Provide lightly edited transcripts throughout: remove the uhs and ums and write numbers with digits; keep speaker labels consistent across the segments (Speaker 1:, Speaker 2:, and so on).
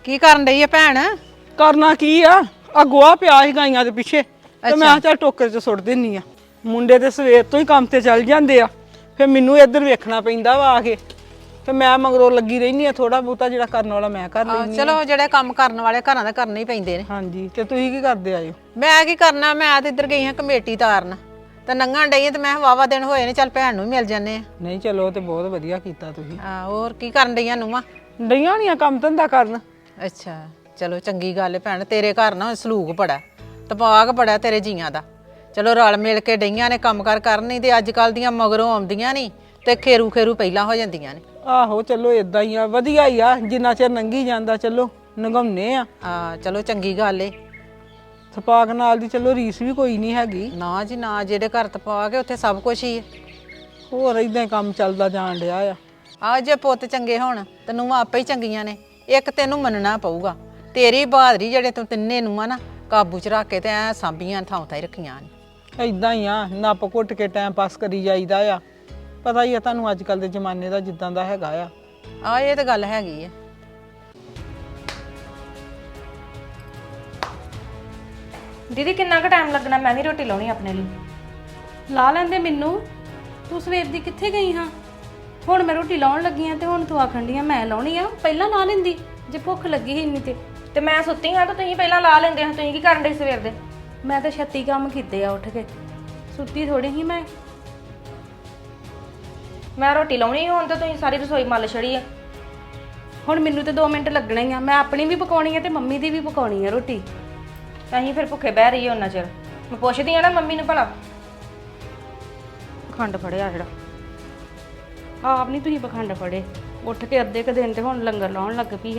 Speaker 1: ਕੀ ਕਰਨ ਡਈ ਆ ਭੈਣ?
Speaker 2: ਕਰਨਾ ਕੀ ਆ ਗੋਹਾ ਪਿਆ ਸੀ ਗਾਈਆਂ ਦੇ ਪਿੱਛੇ ਤੇ ਮੈਂ ਚੱਲ ਟੋਕਰੇ 'ਚ ਸੁੱਟ ਦਿੰਨੀ ਆ। ਮੁੰਡੇ ਤੇ ਸਵੇਰ ਤੋਂ ਹੀ ਕੰਮ ਤੇ ਚੱਲ ਜਾਂਦੇ ਆ, ਫਿਰ ਮੈਨੂੰ ਇੱਧਰ ਵੇਖਣਾ ਪੈਂਦਾ ਵਾ ਆ ਕੇ, ਤੇ ਮੈਂ ਮਗਰੋਂ ਲੱਗੀ ਰਹਿਨੀ ਆ। ਥੋੜਾ ਬਹੁਤਾ ਜਿਹੜਾ ਕਰਨ ਵਾਲਾ ਮੈਂ ਕਰ ਲੈਂਦੀ।
Speaker 1: ਚਲੋ ਜਿਹੜੇ ਕੰਮ ਕਰਨ ਵਾਲੇ ਘਰਾਂ ਦੇ ਕਰਨੇ ਹੀ ਪੈਂਦੇ ਨੇ।
Speaker 2: ਹਾਂਜੀ, ਤੇ ਤੁਸੀਂ ਕੀ ਕਰਦੇ ਆਇਓ?
Speaker 1: ਮੈਂ ਕੀ ਕਰਨਾ, ਮੈਂ ਤੇ ਇੱਧਰ ਗਈ ਹਾਂ ਕਮੇਟੀ ਤਾਰਨ, ਤੇ ਨੰਗਣ ਡਈ ਤੇ ਮੈਂ ਵਾਵਾ ਦਿਨ ਹੋਏ ਨੇ, ਚੱਲ ਭੈਣ ਨੂੰ ਮਿਲ ਜਾਂਦੇ ਆ।
Speaker 2: ਨਹੀਂ ਚਲੋ, ਤੇ ਬਹੁਤ ਵਧੀਆ ਕੀਤਾ ਤੁਸੀਂ।
Speaker 1: ਹੋਰ ਕੀ ਕਰਨ ਡਈਆਂ ਨੂੰਹਾਂ?
Speaker 2: ਡਈਆਂ ਨਹੀਂ ਆ ਕੰਮ ਧੰਦਾ ਕਰਨ।
Speaker 1: ਅੱਛਾ, ਚਲੋ ਚੰਗੀ ਗੱਲ ਹੈ ਭੈਣ। ਤੇਰੇ ਘਰ ਨਾ ਸਲੂਕ ਬੜਾ, ਤਪਾਕ ਬੜਾ ਤੇਰੇ ਜੀਆਂ ਦਾ। ਚਲੋ ਰਲ ਮਿਲ ਕੇ ਡਈਆਂ ਨੇ ਕੰਮ ਕਾਰ ਕਰਨੀ, ਤੇ ਅੱਜ ਕੱਲ ਦੀਆਂ ਮਗਰੋਂ ਆਉਂਦੀਆਂ ਨਹੀਂ ਤੇ ਖੇਰੂ ਪਹਿਲਾਂ ਹੋ ਜਾਂਦੀਆਂ ਨੇ।
Speaker 2: ਆਹੋ ਚਲੋ ਇਦਾਂ ਹੀ ਆ, ਵਧੀਆ ਹੀ ਆ, ਜਿੰਨਾ ਚਿਰ ਲੰਘੀ ਜਾਂਦਾ ਚਲੋ ਨਗਾਉਨੇ ਆ।
Speaker 1: ਚਲੋ ਚੰਗੀ ਗੱਲ ਏ।
Speaker 2: ਤਪਾਕ ਨਾਲ ਦੀ ਚਲੋ ਰੀਸ ਵੀ ਕੋਈ ਨਹੀਂ ਹੈਗੀ।
Speaker 1: ਨਾ ਜੀ ਨਾ, ਜਿਹੜੇ ਘਰ ਤਪਾਕ ਉੱਥੇ ਸਭ ਕੁਝ ਹੀ ਹੈ।
Speaker 2: ਹੋਰ ਇਦਾਂ ਹੀ ਕੰਮ ਚੱਲਦਾ ਜਾਣ ਡਿਆ ਆ।
Speaker 1: ਜੇ ਪੁੱਤ ਚੰਗੇ ਹੋਣ ਤੇ ਨੂੰਹਾਂ ਆਪੇ ਹੀ ਚੰਗੀਆਂ ਨੇ। ਇੱਕ ਤੈਨੂੰ ਮੰਨਣਾ ਪਊਗਾ, ਤੇਰੀ ਬਹਾਦਰੀ ਜਿਹੜੇ ਤੂੰ ਤਿੰਨੇ ਨੂੰਹਾਂ ਨਾ ਕਾਬੂ ਚ ਰੱਖ ਕੇ ਤੇ ਐ ਸਾਂਭੀਆਂ ਥਾਂ ਥਾਂ ਹੀ ਰੱਖੀਆਂ ਨੇ।
Speaker 2: ਇਦਾਂ ਹੀ ਆ, ਨੱਪ ਘੁੱਟ ਕੇ ਟਾਈਮ ਪਾਸ ਕਰੀ ਜਾਈਦਾ ਆ। ਪਤਾ ਹੀ ਆ ਤੁਹਾਨੂੰ ਅੱਜ ਕੱਲ ਦੇ ਜ਼ਮਾਨੇ ਦਾ ਜਿੱਦਾਂ ਦਾ ਹੈਗਾ ਆ।
Speaker 1: ਇਹ ਤਾਂ ਗੱਲ ਹੈਗੀ ਆ।
Speaker 3: ਦੀਦੀ ਕਿੰਨਾ ਕੁ ਟਾਈਮ ਲੱਗਣਾ? ਮੈਂ ਵੀ ਰੋਟੀ ਲਾਉਣੀ ਆਪਣੇ ਲਈ। ਲਾ ਲੈਂਦੇ ਮੈਨੂੰ। ਤੂੰ ਸਵੇਰ ਦੀ ਕਿੱਥੇ ਗਈ ਹਾਂ? ਹੁਣ ਮੈਂ ਰੋਟੀ ਲਾਉਣ ਲੱਗੀ ਆ ਤੇ ਹੁਣ ਤੂੰ ਆਖਣ ਡਈ ਆ ਮੈਂ ਲਾਉਣੀ ਆ। ਪਹਿਲਾਂ ਲਾ ਲੈਂਦੀ ਜੇ ਭੁੱਖ ਲੱਗੀ ਸੀ ਇੰਨੀ ਤੇ ਮੈਂ ਸੁੱਤੀ ਹਾਂ ਤਾਂ ਤੁਸੀਂ ਪਹਿਲਾਂ ਲਾ ਲੈਂਦੇ ਹਾਂ। ਤੁਸੀਂ ਕੀ ਕਰਨ ਡਏ ਸਵੇਰ ਦੇ? ਮੈਂ ਤਾਂ ਛੱਤੀ ਕੰਮ ਕੀਤੇ ਆ ਉੱਠ ਕੇ, ਸੁੱਤੀ ਥੋੜੀ ਸੀ ਮੈਂ ਰੋਟੀ ਲਾਉਣੀ ਹੁਣ ਤਾਂ ਤੁਸੀਂ ਸਾਰੀ ਰਸੋਈ ਮੱਲ ਛੜੀ ਆ। ਹੁਣ ਮੈਨੂੰ ਤੇ 2 ਮਿੰਟ ਲੱਗਣਾ ਹੀ ਆ। ਮੈਂ ਆਪਣੀ ਵੀ ਪਕਾਉਣੀ ਆ ਤੇ ਮੰਮੀ ਦੀ ਵੀ ਪਕਾਉਣੀ ਆ ਰੋਟੀ। ਅਸੀਂ ਫਿਰ ਭੁੱਖੇ ਬਹਿ ਰਹੀਏ ਉਹਨਾਂ ਚਿਰ। ਮੈਂ ਪੁੱਛਦੀ ਆ ਨਾ ਮੰਮੀ ਨੂੰ ਭਲਾ। ਪਖੰਡ ਫੜਿਆ ਜਿਹੜਾ ਆਪ ਨਹੀਂ ਤੁਸੀਂ ਪਖੰਡ ਫੜੇ। ਉੱਠ ਕੇ ਅੱਧੇ ਕ ਦਿਨ ਤੇ ਹੁਣ ਲੰਗਰ ਲਾਉਣ ਲੱਗ ਪਈ ਆ।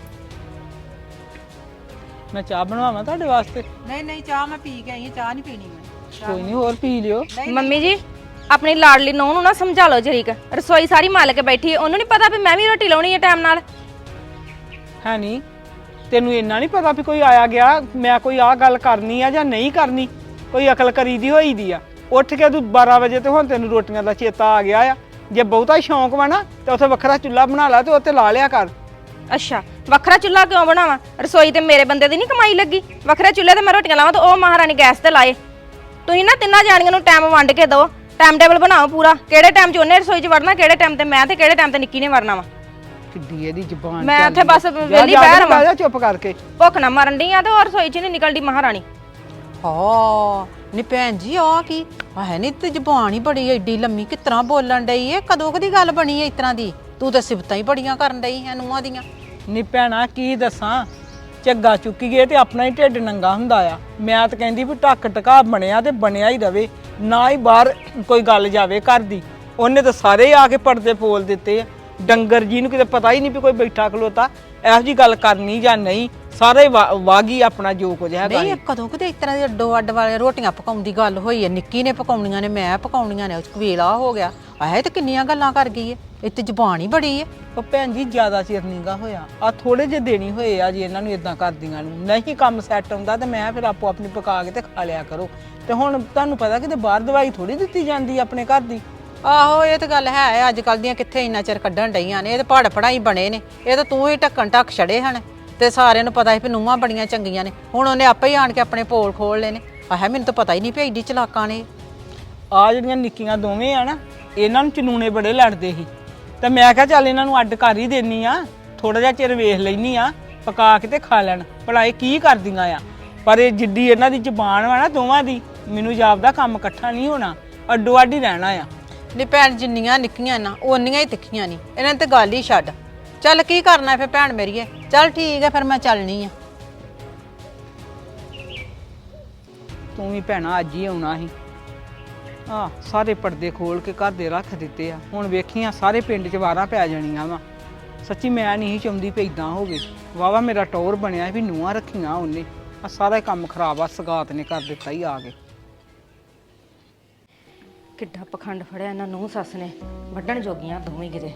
Speaker 2: ਮੈਂ ਚਾਹ ਬਣਾਵਾਂ ਤੁਹਾਡੇ ਵਾਸਤੇ?
Speaker 1: ਨਹੀਂ ਚਾਹ ਮੈਂ ਪੀ ਕੇ ਆਈ ਹਾਂ, ਚਾਹ ਨਹੀਂ ਪੀਣੀ ਮੈਂ।
Speaker 2: ਕੋਈ ਨਹੀਂ, ਹੋਰ ਪੀ ਲਿਓ।
Speaker 3: ਮੰਮੀ ਜੀ ਆਪਣੀ ਲਾਡਲੀ ਨੂੰਹ ਨੂੰ ਨਾ ਸਮਝਾ ਲਓ ਜਰੀਕ। ਰਸੋਈ ਸਾਰੀ ਮੱਲ ਕੇ ਬੈਠੀ ਹੈ, ਉਹਨੂੰ ਨਹੀਂ ਪਤਾ ਵੀ ਮੈਂ ਵੀ ਰੋਟੀ ਲਾਉਣੀ ਹੈ ਟਾਈਮ ਨਾਲ।
Speaker 2: ਹੈ ਨਹੀਂ, ਤੈਨੂੰ ਇੰਨਾ ਨਹੀਂ ਪਤਾ ਵੀ ਕੋਈ ਆਇਆ ਗਿਆ, ਮੈਂ ਕੋਈ ਆਹ ਗੱਲ ਕਰਨੀ ਆ ਜਾਂ ਨਹੀਂ ਕਰਨੀ? ਕੋਈ ਅਕਲ ਕਰੀ ਦੀ ਹੋਈ ਦੀ ਆ। ਉੱਠ ਕੇ ਤੂੰ 12 ਵਜੇ ਤੇ ਹੁਣ ਤੈਨੂੰ ਰੋਟੀਆਂ ਦਾ ਚੇਤਾ ਆ ਗਿਆ ਆ। ਜੇ ਬਹੁਤਾ ਸ਼ੌਂਕ ਵਾ ਨਾ ਤੇ ਉੱਥੇ ਵੱਖਰਾ ਚੁੱਲ੍ਹਾ ਬਣਾ ਲਾ ਤੇ ਉੱਥੇ ਲਾ ਲਿਆ ਕਰ।
Speaker 3: ਅੱਛਾ, ਵੱਖਰਾ ਚੁੱਲ੍ਹਾ ਕਿਉਂ ਬਣਾਵਾਂ? ਰਸੋਈ ਤੇ ਮੇਰੇ ਬੰਦੇ ਦੀ ਨਹੀਂ ਕਮਾਈ ਲੱਗੀ। ਵੱਖਰੇ ਚੁੱਲ੍ਹੇ ਤੇ ਮੈਂ ਰੋਟੀਆਂ ਲਾਵਾਂ ਤੇ ਉਹ ਮਹਾਰਾਣੀ ਗੈਸ ਤੇ ਲਾਏ। ਤੁਸੀਂ ਨਾ ਤਿੰਨਾਂ ਜਾਣੀਆਂ ਨੂੰ ਟਾਈਮ ਵੰਡ ਕੇ ਦਿਓ, ਟਾਈਮ ਟੇਬਲ ਬਣਾਓ ਪੂਰਾ। ਕਿਹੜੇ ਟਾਈਮ 'ਚ ਉਹਨੇ ਰਸੋਈ 'ਚ ਵੜਨਾ, ਕਿਹੜੇ ਟਾਈਮ ਤੇ ਮੈਂ, ਤੇ ਕਿਹੜੇ ਟਾਈਮ ਤੇ ਨਿੱਕੀ ਨੇ ਵੜਨਾ ਵਾ।
Speaker 2: ਕਿੱਡੀ ਇਹਦੀ ਜ਼ੁਬਾਨ।
Speaker 3: ਮੈਂ ਉੱਥੇ ਬਸ ਵਿਹਲੀ ਬਹਿ ਰਵਾਂ।
Speaker 2: ਜਾ ਚੁੱਪ ਕਰਕੇ।
Speaker 3: ਭੁੱਖ ਨਾ ਮਰਨ ਡਈ ਆ ਤੇ ਹੋਰ ਰਸੋਈ 'ਚ ਨਹੀਂ ਨਿਕਲਦੀ ਮਹਾਰਾਣੀ।
Speaker 1: ਨੀ ਭੈਣ ਜੀ ਆ ਕੀ ਹੈ? ਨੀ ਤੇ ਜ਼ਬਾਨ ਹੀ ਬੜੀ ਏਡੀ ਲੰਮੀ, ਕਿਸ ਤਰ੍ਹਾਂ ਬੋਲਣ ਡਈ ਏ? ਕਦੋਂ ਕਦੀ ਗੱਲ ਬਣੀ ਏ ਇਸ ਤਰ੍ਹਾਂ ਦੀ? ਤੂੰ ਤਾਂ ਸਿਫਤਾਂ ਹੀ ਬੜੀਆਂ ਕਰਨ ਡਈ ਹੈ ਨੂੰਹਾਂ ਦੀਆਂ।
Speaker 2: ਨੀ ਭੈਣਾ ਕੀ ਦੱਸਾਂ, ਝੱਗਾ ਚੁੱਕੀਏ ਤੇ ਆਪਣਾ ਹੀ ਢਿੱਡ ਨੰਗਾ ਹੁੰਦਾ ਆ। ਮੈਂ ਤਾਂ ਕਹਿੰਦੀ ਵੀ ਢੱਕ ਟਕਾ ਬਣਿਆ ਤੇ ਬਣਿਆ ਹੀ ਰਵੇ, ਨਾ ਹੀ ਬਾਹਰ ਕੋਈ ਗੱਲ ਜਾਵੇ ਘਰ ਦੀ। ਉਹਨੇ ਤਾਂ ਸਾਰੇ ਆ ਕੇ ਪਰਦੇ ਫੋਲ ਦਿੱਤੇ ਆ। ਡੰਗਰ ਜੀ ਨੂੰ ਕਿਤੇ ਪਤਾ ਹੀ ਨਹੀਂ ਵੀ ਕੋਈ ਬੈਠਾ ਖਲੋਤਾ ਇਹੋ ਜੀ ਗੱਲ ਕਰਨੀ ਜਾਂ ਨਹੀਂ। ਸਾਰੇ ਵਾਗੀ ਆਪਣਾ ਜੋ ਕੁਝ ਹੈਗਾ।
Speaker 1: ਨਹੀਂ ਕਦੋਂ ਕਿਤੇ ਇਸ ਤਰ੍ਹਾਂ ਦੀ ਅੱਡੋ ਅੱਡ ਵਾਲੇ ਰੋਟੀਆਂ ਪਕਾਉਣ ਦੀ ਗੱਲ ਹੋਈ ਹੈ? ਨਿੱਕੀ ਨੇ ਪਕਾਉਣੀਆਂ ਨੇ, ਮੈਂ ਪਕਾਉਣੀਆਂ ਨੇ, ਵੇਲਾ ਹੋ ਗਿਆ। ਆਹ ਤੇ ਕਿੰਨੀਆਂ ਗੱਲਾਂ ਕਰ ਗਈ ਏ। ਇਹ ਤੇ ਜ਼ੁਬਾਨ ਹੀ ਬੜੀ ਏ।
Speaker 2: ਉਹ ਭੈਣ ਜੀ ਜ਼ਿਆਦਾ ਚਿਰ ਨੀਗਾ ਹੋਇਆ, ਆ ਥੋੜੇ ਜਿਹੇ ਦੇਣੀ ਹੋਏ ਆ ਜੀ ਇਹਨਾਂ ਨੂੰ ਇਦਾਂ ਕਰਦੀਆਂ ਨੂੰ। ਨਹੀਂ ਕੰਮ ਸੈੱਟ ਹੁੰਦਾ ਤੇ ਮੈਂ ਫਿਰ ਆਪੋ ਆਪਣੀ ਪਕਾ ਕੇ ਤੇ ਖਾ ਲਿਆ ਕਰੋ। ਤੇ ਹੁਣ ਤੁਹਾਨੂੰ ਪਤਾ ਕਿਤੇ ਬਾਹਰ ਦਵਾਈ ਥੋੜੀ ਦਿੱਤੀ ਜਾਂਦੀ ਆਪਣੇ ਘਰ ਦੀ।
Speaker 1: ਆਹੋ ਇਹ ਤਾਂ ਗੱਲ ਹੈ। ਅੱਜ ਕੱਲ ਦੀਆਂ ਕਿੱਥੇ ਇੰਨਾ ਚਿਰ ਕੱਢਣ ਡਈਆਂ ਨੇ। ਇਹ ਤਾਂ ਪੜ ਪੜਾਈ ਬਣੇ ਨੇ। ਇਹ ਤਾਂ ਤੂੰ ਹੀ ਢੱਕਣ ਢੱਕ ਛੜੇ ਹਨ ਤੇ ਸਾਰਿਆਂ ਨੂੰ ਪਤਾ ਸੀ ਵੀ ਨੂੰਹਾਂ ਬੜੀਆਂ ਚੰਗੀਆਂ ਨੇ। ਹੁਣ ਉਹਨੇ ਆਪੇ ਹੀ ਆਣ ਕੇ ਆਪਣੇ ਪੋਲ ਖੋਲ ਲਏ ਨੇ। ਮੈਨੂੰ ਤਾਂ ਪਤਾ ਹੀ ਨਹੀਂ ਵੀ ਐਡੀ ਚਲਾਕਾਂ ਨੇ।
Speaker 2: ਆ ਜਿਹੜੀਆਂ ਨਿੱਕੀਆਂ ਦੋਵੇਂ ਆ ਨਾ, ਇਹਨਾਂ ਨੂੰ ਚਨੂਨੇ ਬੜੇ ਲੜਦੇ ਸੀ ਤੇ ਮੈਂ ਕਿਹਾ ਚੱਲ ਇਹਨਾਂ ਨੂੰ ਅੱਡ ਕਰ ਹੀ ਦੇਣੀ ਆ, ਥੋੜਾ ਜਿਹਾ ਚਿਰ ਵੇਖ ਲੈਣੀ ਆ, ਪਕਾ ਕੇ ਤੇ ਖਾ ਲੈਣ ਭਲਾ ਇਹ ਕੀ ਕਰਦੀਆਂ ਆ। ਪਰ ਇਹ ਜਿੱਡੀ ਇਹਨਾਂ ਦੀ ਜ਼ੁਬਾਨ ਵਾ ਨਾ ਦੋਵਾਂ ਦੀ, ਮੈਨੂੰ ਜਾਪਦਾ ਕੰਮ ਇਕੱਠਾ ਨਹੀਂ ਹੋਣਾ, ਅੱਡੋ ਅੱਡ ਹੀ ਰਹਿਣਾ ਆ।
Speaker 1: ਨੀ ਭੈਣ ਜਿੰਨੀਆਂ ਨਿੱਕੀਆਂ ਨਾ ਓਨੀਆਂ ਹੀ ਤਿੱਖੀਆਂ ਨਹੀਂ। ਇਹਨਾਂ ਤੇ ਗੱਲ ਹੀ ਛੱਡ। ਚੱਲ ਕੀ ਕਰਨਾ ਫਿਰ ਭੈਣ ਮੇਰੀਏ। ਚੱਲ ਠੀਕ ਹੈ ਫਿਰ ਮੈਂ ਚੱਲਣੀ ਆ।
Speaker 2: ਤੂੰ ਵੀ ਭੈਣਾ ਅੱਜ ਹੀ ਆਉਣਾ ਸੀ। ਸਾਰੇ ਪਰਦੇ ਖੋਲ ਕੇ ਘਰ ਦੇ ਰੱਖ ਦਿੱਤੇ ਆ। ਹੁਣ ਵੇਖੀਆਂ ਸਾਰੇ ਪਿੰਡ 'ਚ ਵਾਰਾਂ ਪੈ ਜਾਣੀਆਂ ਵਾ। ਸੱਚੀ ਮੈਂ ਨਹੀਂ ਚਾਹੁੰਦੀ ਵੀ ਇਦਾਂ ਹੋਵੇ। ਵਾਵਾ ਮੇਰਾ ਟੌਰ ਬਣਿਆ ਵੀ ਨੂੰਹਾਂ ਰੱਖੀਆਂ ਉਹਨੇ। ਆ ਸਾਰਾ ਕੰਮ ਖਰਾਬ ਆ, ਸਗਾਤ ਨੇ ਕਰ ਦਿੱਤਾ ਹੀ ਆ ਕੇ।
Speaker 3: ਕਿੱਡਾ ਪਖੰਡ ਫੜਿਆ ਇਹਨਾਂ ਨੂੰ ਸੱਸ ਨੇ। ਵੱਢਣ ਜੋਗੀਆਂ ਦੋਵੇਂ ਕਿਤੇ।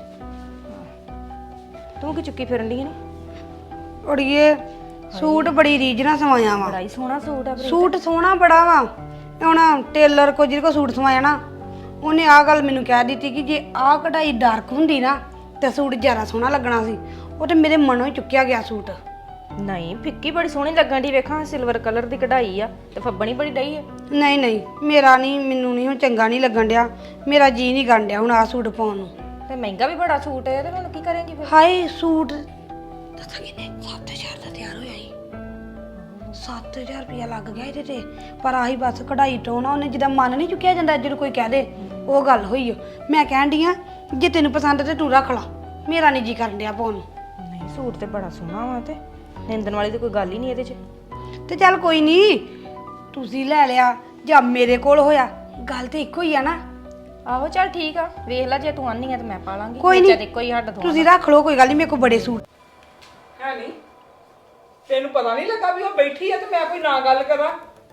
Speaker 3: ਤੂੰ ਕੀ ਚੁੱਕੀ ਫਿਰਨ ਦੀ ਨੇ?
Speaker 4: ਉੜੀਏ ਸੂਟ ਬੜੀ ਰੀਝ ਨਾਲ ਸਵਾਇਆ ਵਾ।
Speaker 3: ਬੜਾ ਹੀ ਸੋਹਣਾ ਸੂਟ ਆ।
Speaker 4: ਸੂਟ ਸੋਹਣਾ ਬੜਾ ਵਾ। ਹੁਣ ਟੇਲਰ ਕੋ ਜਿਹਦੇ ਕੋ ਸੂਟ ਸਵਾਇਆ ਨਾ, ਉਹਨੇ ਆਹ ਗੱਲ ਮੈਨੂੰ ਕਹਿ ਦਿੱਤੀ ਕਿ ਜੇ ਆਹ ਕਢਾਈ ਡਾਰਕ ਹੁੰਦੀ ਨਾ ਤੇ ਸੂਟ ਜ਼ਿਆਦਾ ਸੋਹਣਾ ਲੱਗਣਾ ਸੀ। ਉਹ ਤੇ ਮੇਰੇ ਮਨੋਂ ਹੀ ਚੁੱਕਿਆ ਗਿਆ ਸੂਟ।
Speaker 3: ਨਹੀਂ ਫਿੱਕੀ ਬੜੀ ਸੋਹਣੀ ਲੱਗਣ ਦੀ ਵੇਖਾਂ ਸਿਲਵਰ ਕਲਰ ਦੀ ਕਢਾਈ ਆ ਤੇ ਫੱਬਣੀ ਬੜੀ ਡਈ ਆ।
Speaker 4: ਨਹੀਂ ਨਹੀਂ ਮੇਰਾ ਨਹੀਂ, ਮੈਨੂੰ ਨਹੀਂ ਹੁਣ ਚੰਗਾ ਨਹੀਂ ਲੱਗਣ ਡਿਆ, ਮੇਰਾ ਜੀ ਨਹੀਂ ਕਰਨ ਡਿਆ ਹੁਣ ਆ ਸੂਟ ਪਾਉਣ ਨੂੰ।
Speaker 3: ਤੇ ਮਹਿੰਗਾ ਵੀ ਬੜਾ ਸੂਟ ਹੈ ਤੇ ਹੁਣ ਕੀ ਕਰੇਂਗੀ ਫਿਰ?
Speaker 4: ਹਾਏ ਸੂਟ ਦੱਸਾਂ ਕਿੰਨੇ 7000 ਦਾ ਤਿਆਰ ਹੋਇਆ ਸੀ। 7000 ਰੁਪਇਆ ਲੱਗ ਗਿਆ ਇਹਦੇ ਤੇ, ਪਰ ਆਹੀ ਬਸ ਕਢਾਈ ਟੋਣਾ ਉਹਨੇ ਜਿੱਦਾਂ ਮਨ ਨਹੀਂ ਚੁੱਕਿਆ ਜਾਂਦਾ ਜਦੋਂ ਕੋਈ ਕਹਿ ਦੇ, ਉਹ ਗੱਲ ਹੋਈ ਓ। ਮੈਂ ਕਹਿਣ ਡਈ ਆ ਜੇ ਤੈਨੂੰ ਪਸੰਦ ਤੇ ਤੂੰ ਰੱਖ ਲਾ, ਮੇਰਾ ਨਹੀਂ ਜੀ ਕਰਨ ਡਿਆ ਪਾਉਣ ਨੂੰ।
Speaker 3: ਨਹੀਂ ਸੂਟ ਤੇ ਬੜਾ ਸੋਹਣਾ ਵਾ ਤੇ ਨਿੰਦਣ ਵਾਲੀ ਤੇ ਕੋਈ ਗੱਲ ਹੀ ਨਹੀਂ ਇਹਦੇ 'ਚ।
Speaker 4: ਤੇ ਚੱਲ ਕੋਈ ਨਹੀਂ, ਤੁਸੀਂ ਲੈ ਲਿਆ ਜਾਂ ਮੇਰੇ ਕੋਲ ਹੋਇਆ, ਗੱਲ ਤੇ ਇੱਕੋ ਹੀ ਆ ਨਾ।
Speaker 3: ਆਹੋ ਚੱਲ ਠੀਕ ਆ, ਵੇਖ ਲੈ ਜੇ ਤੂੰ ਆਨੀ ਆ ਤੇ ਮੈਂ ਪਾ ਲਾਂਗੀ।
Speaker 4: ਕੋਈ
Speaker 3: ਵਿੱਚ
Speaker 4: ਨਹੀਂ
Speaker 3: ਤੇ ਇੱਕੋ ਹੀ ਹੱਡ
Speaker 4: ਤੁਸੀਂ ਰੱਖ ਲਓ, ਕੋਈ ਗੱਲ ਨਹੀਂ, ਮੇਰੇ ਕੋਲ ਬੜੇ ਸੂਟ।
Speaker 2: ਹੈ ਨਹੀਂ ਤੈਨੂੰ ਪਤਾ ਨਹੀਂ ਲੱਗਾ ਵੀ ਉਹ ਬੈਠੀ ਆ ਤੇ ਮੈਂ ਕੋਈ ਨਾ ਗੱਲ ਕਰਾਂ?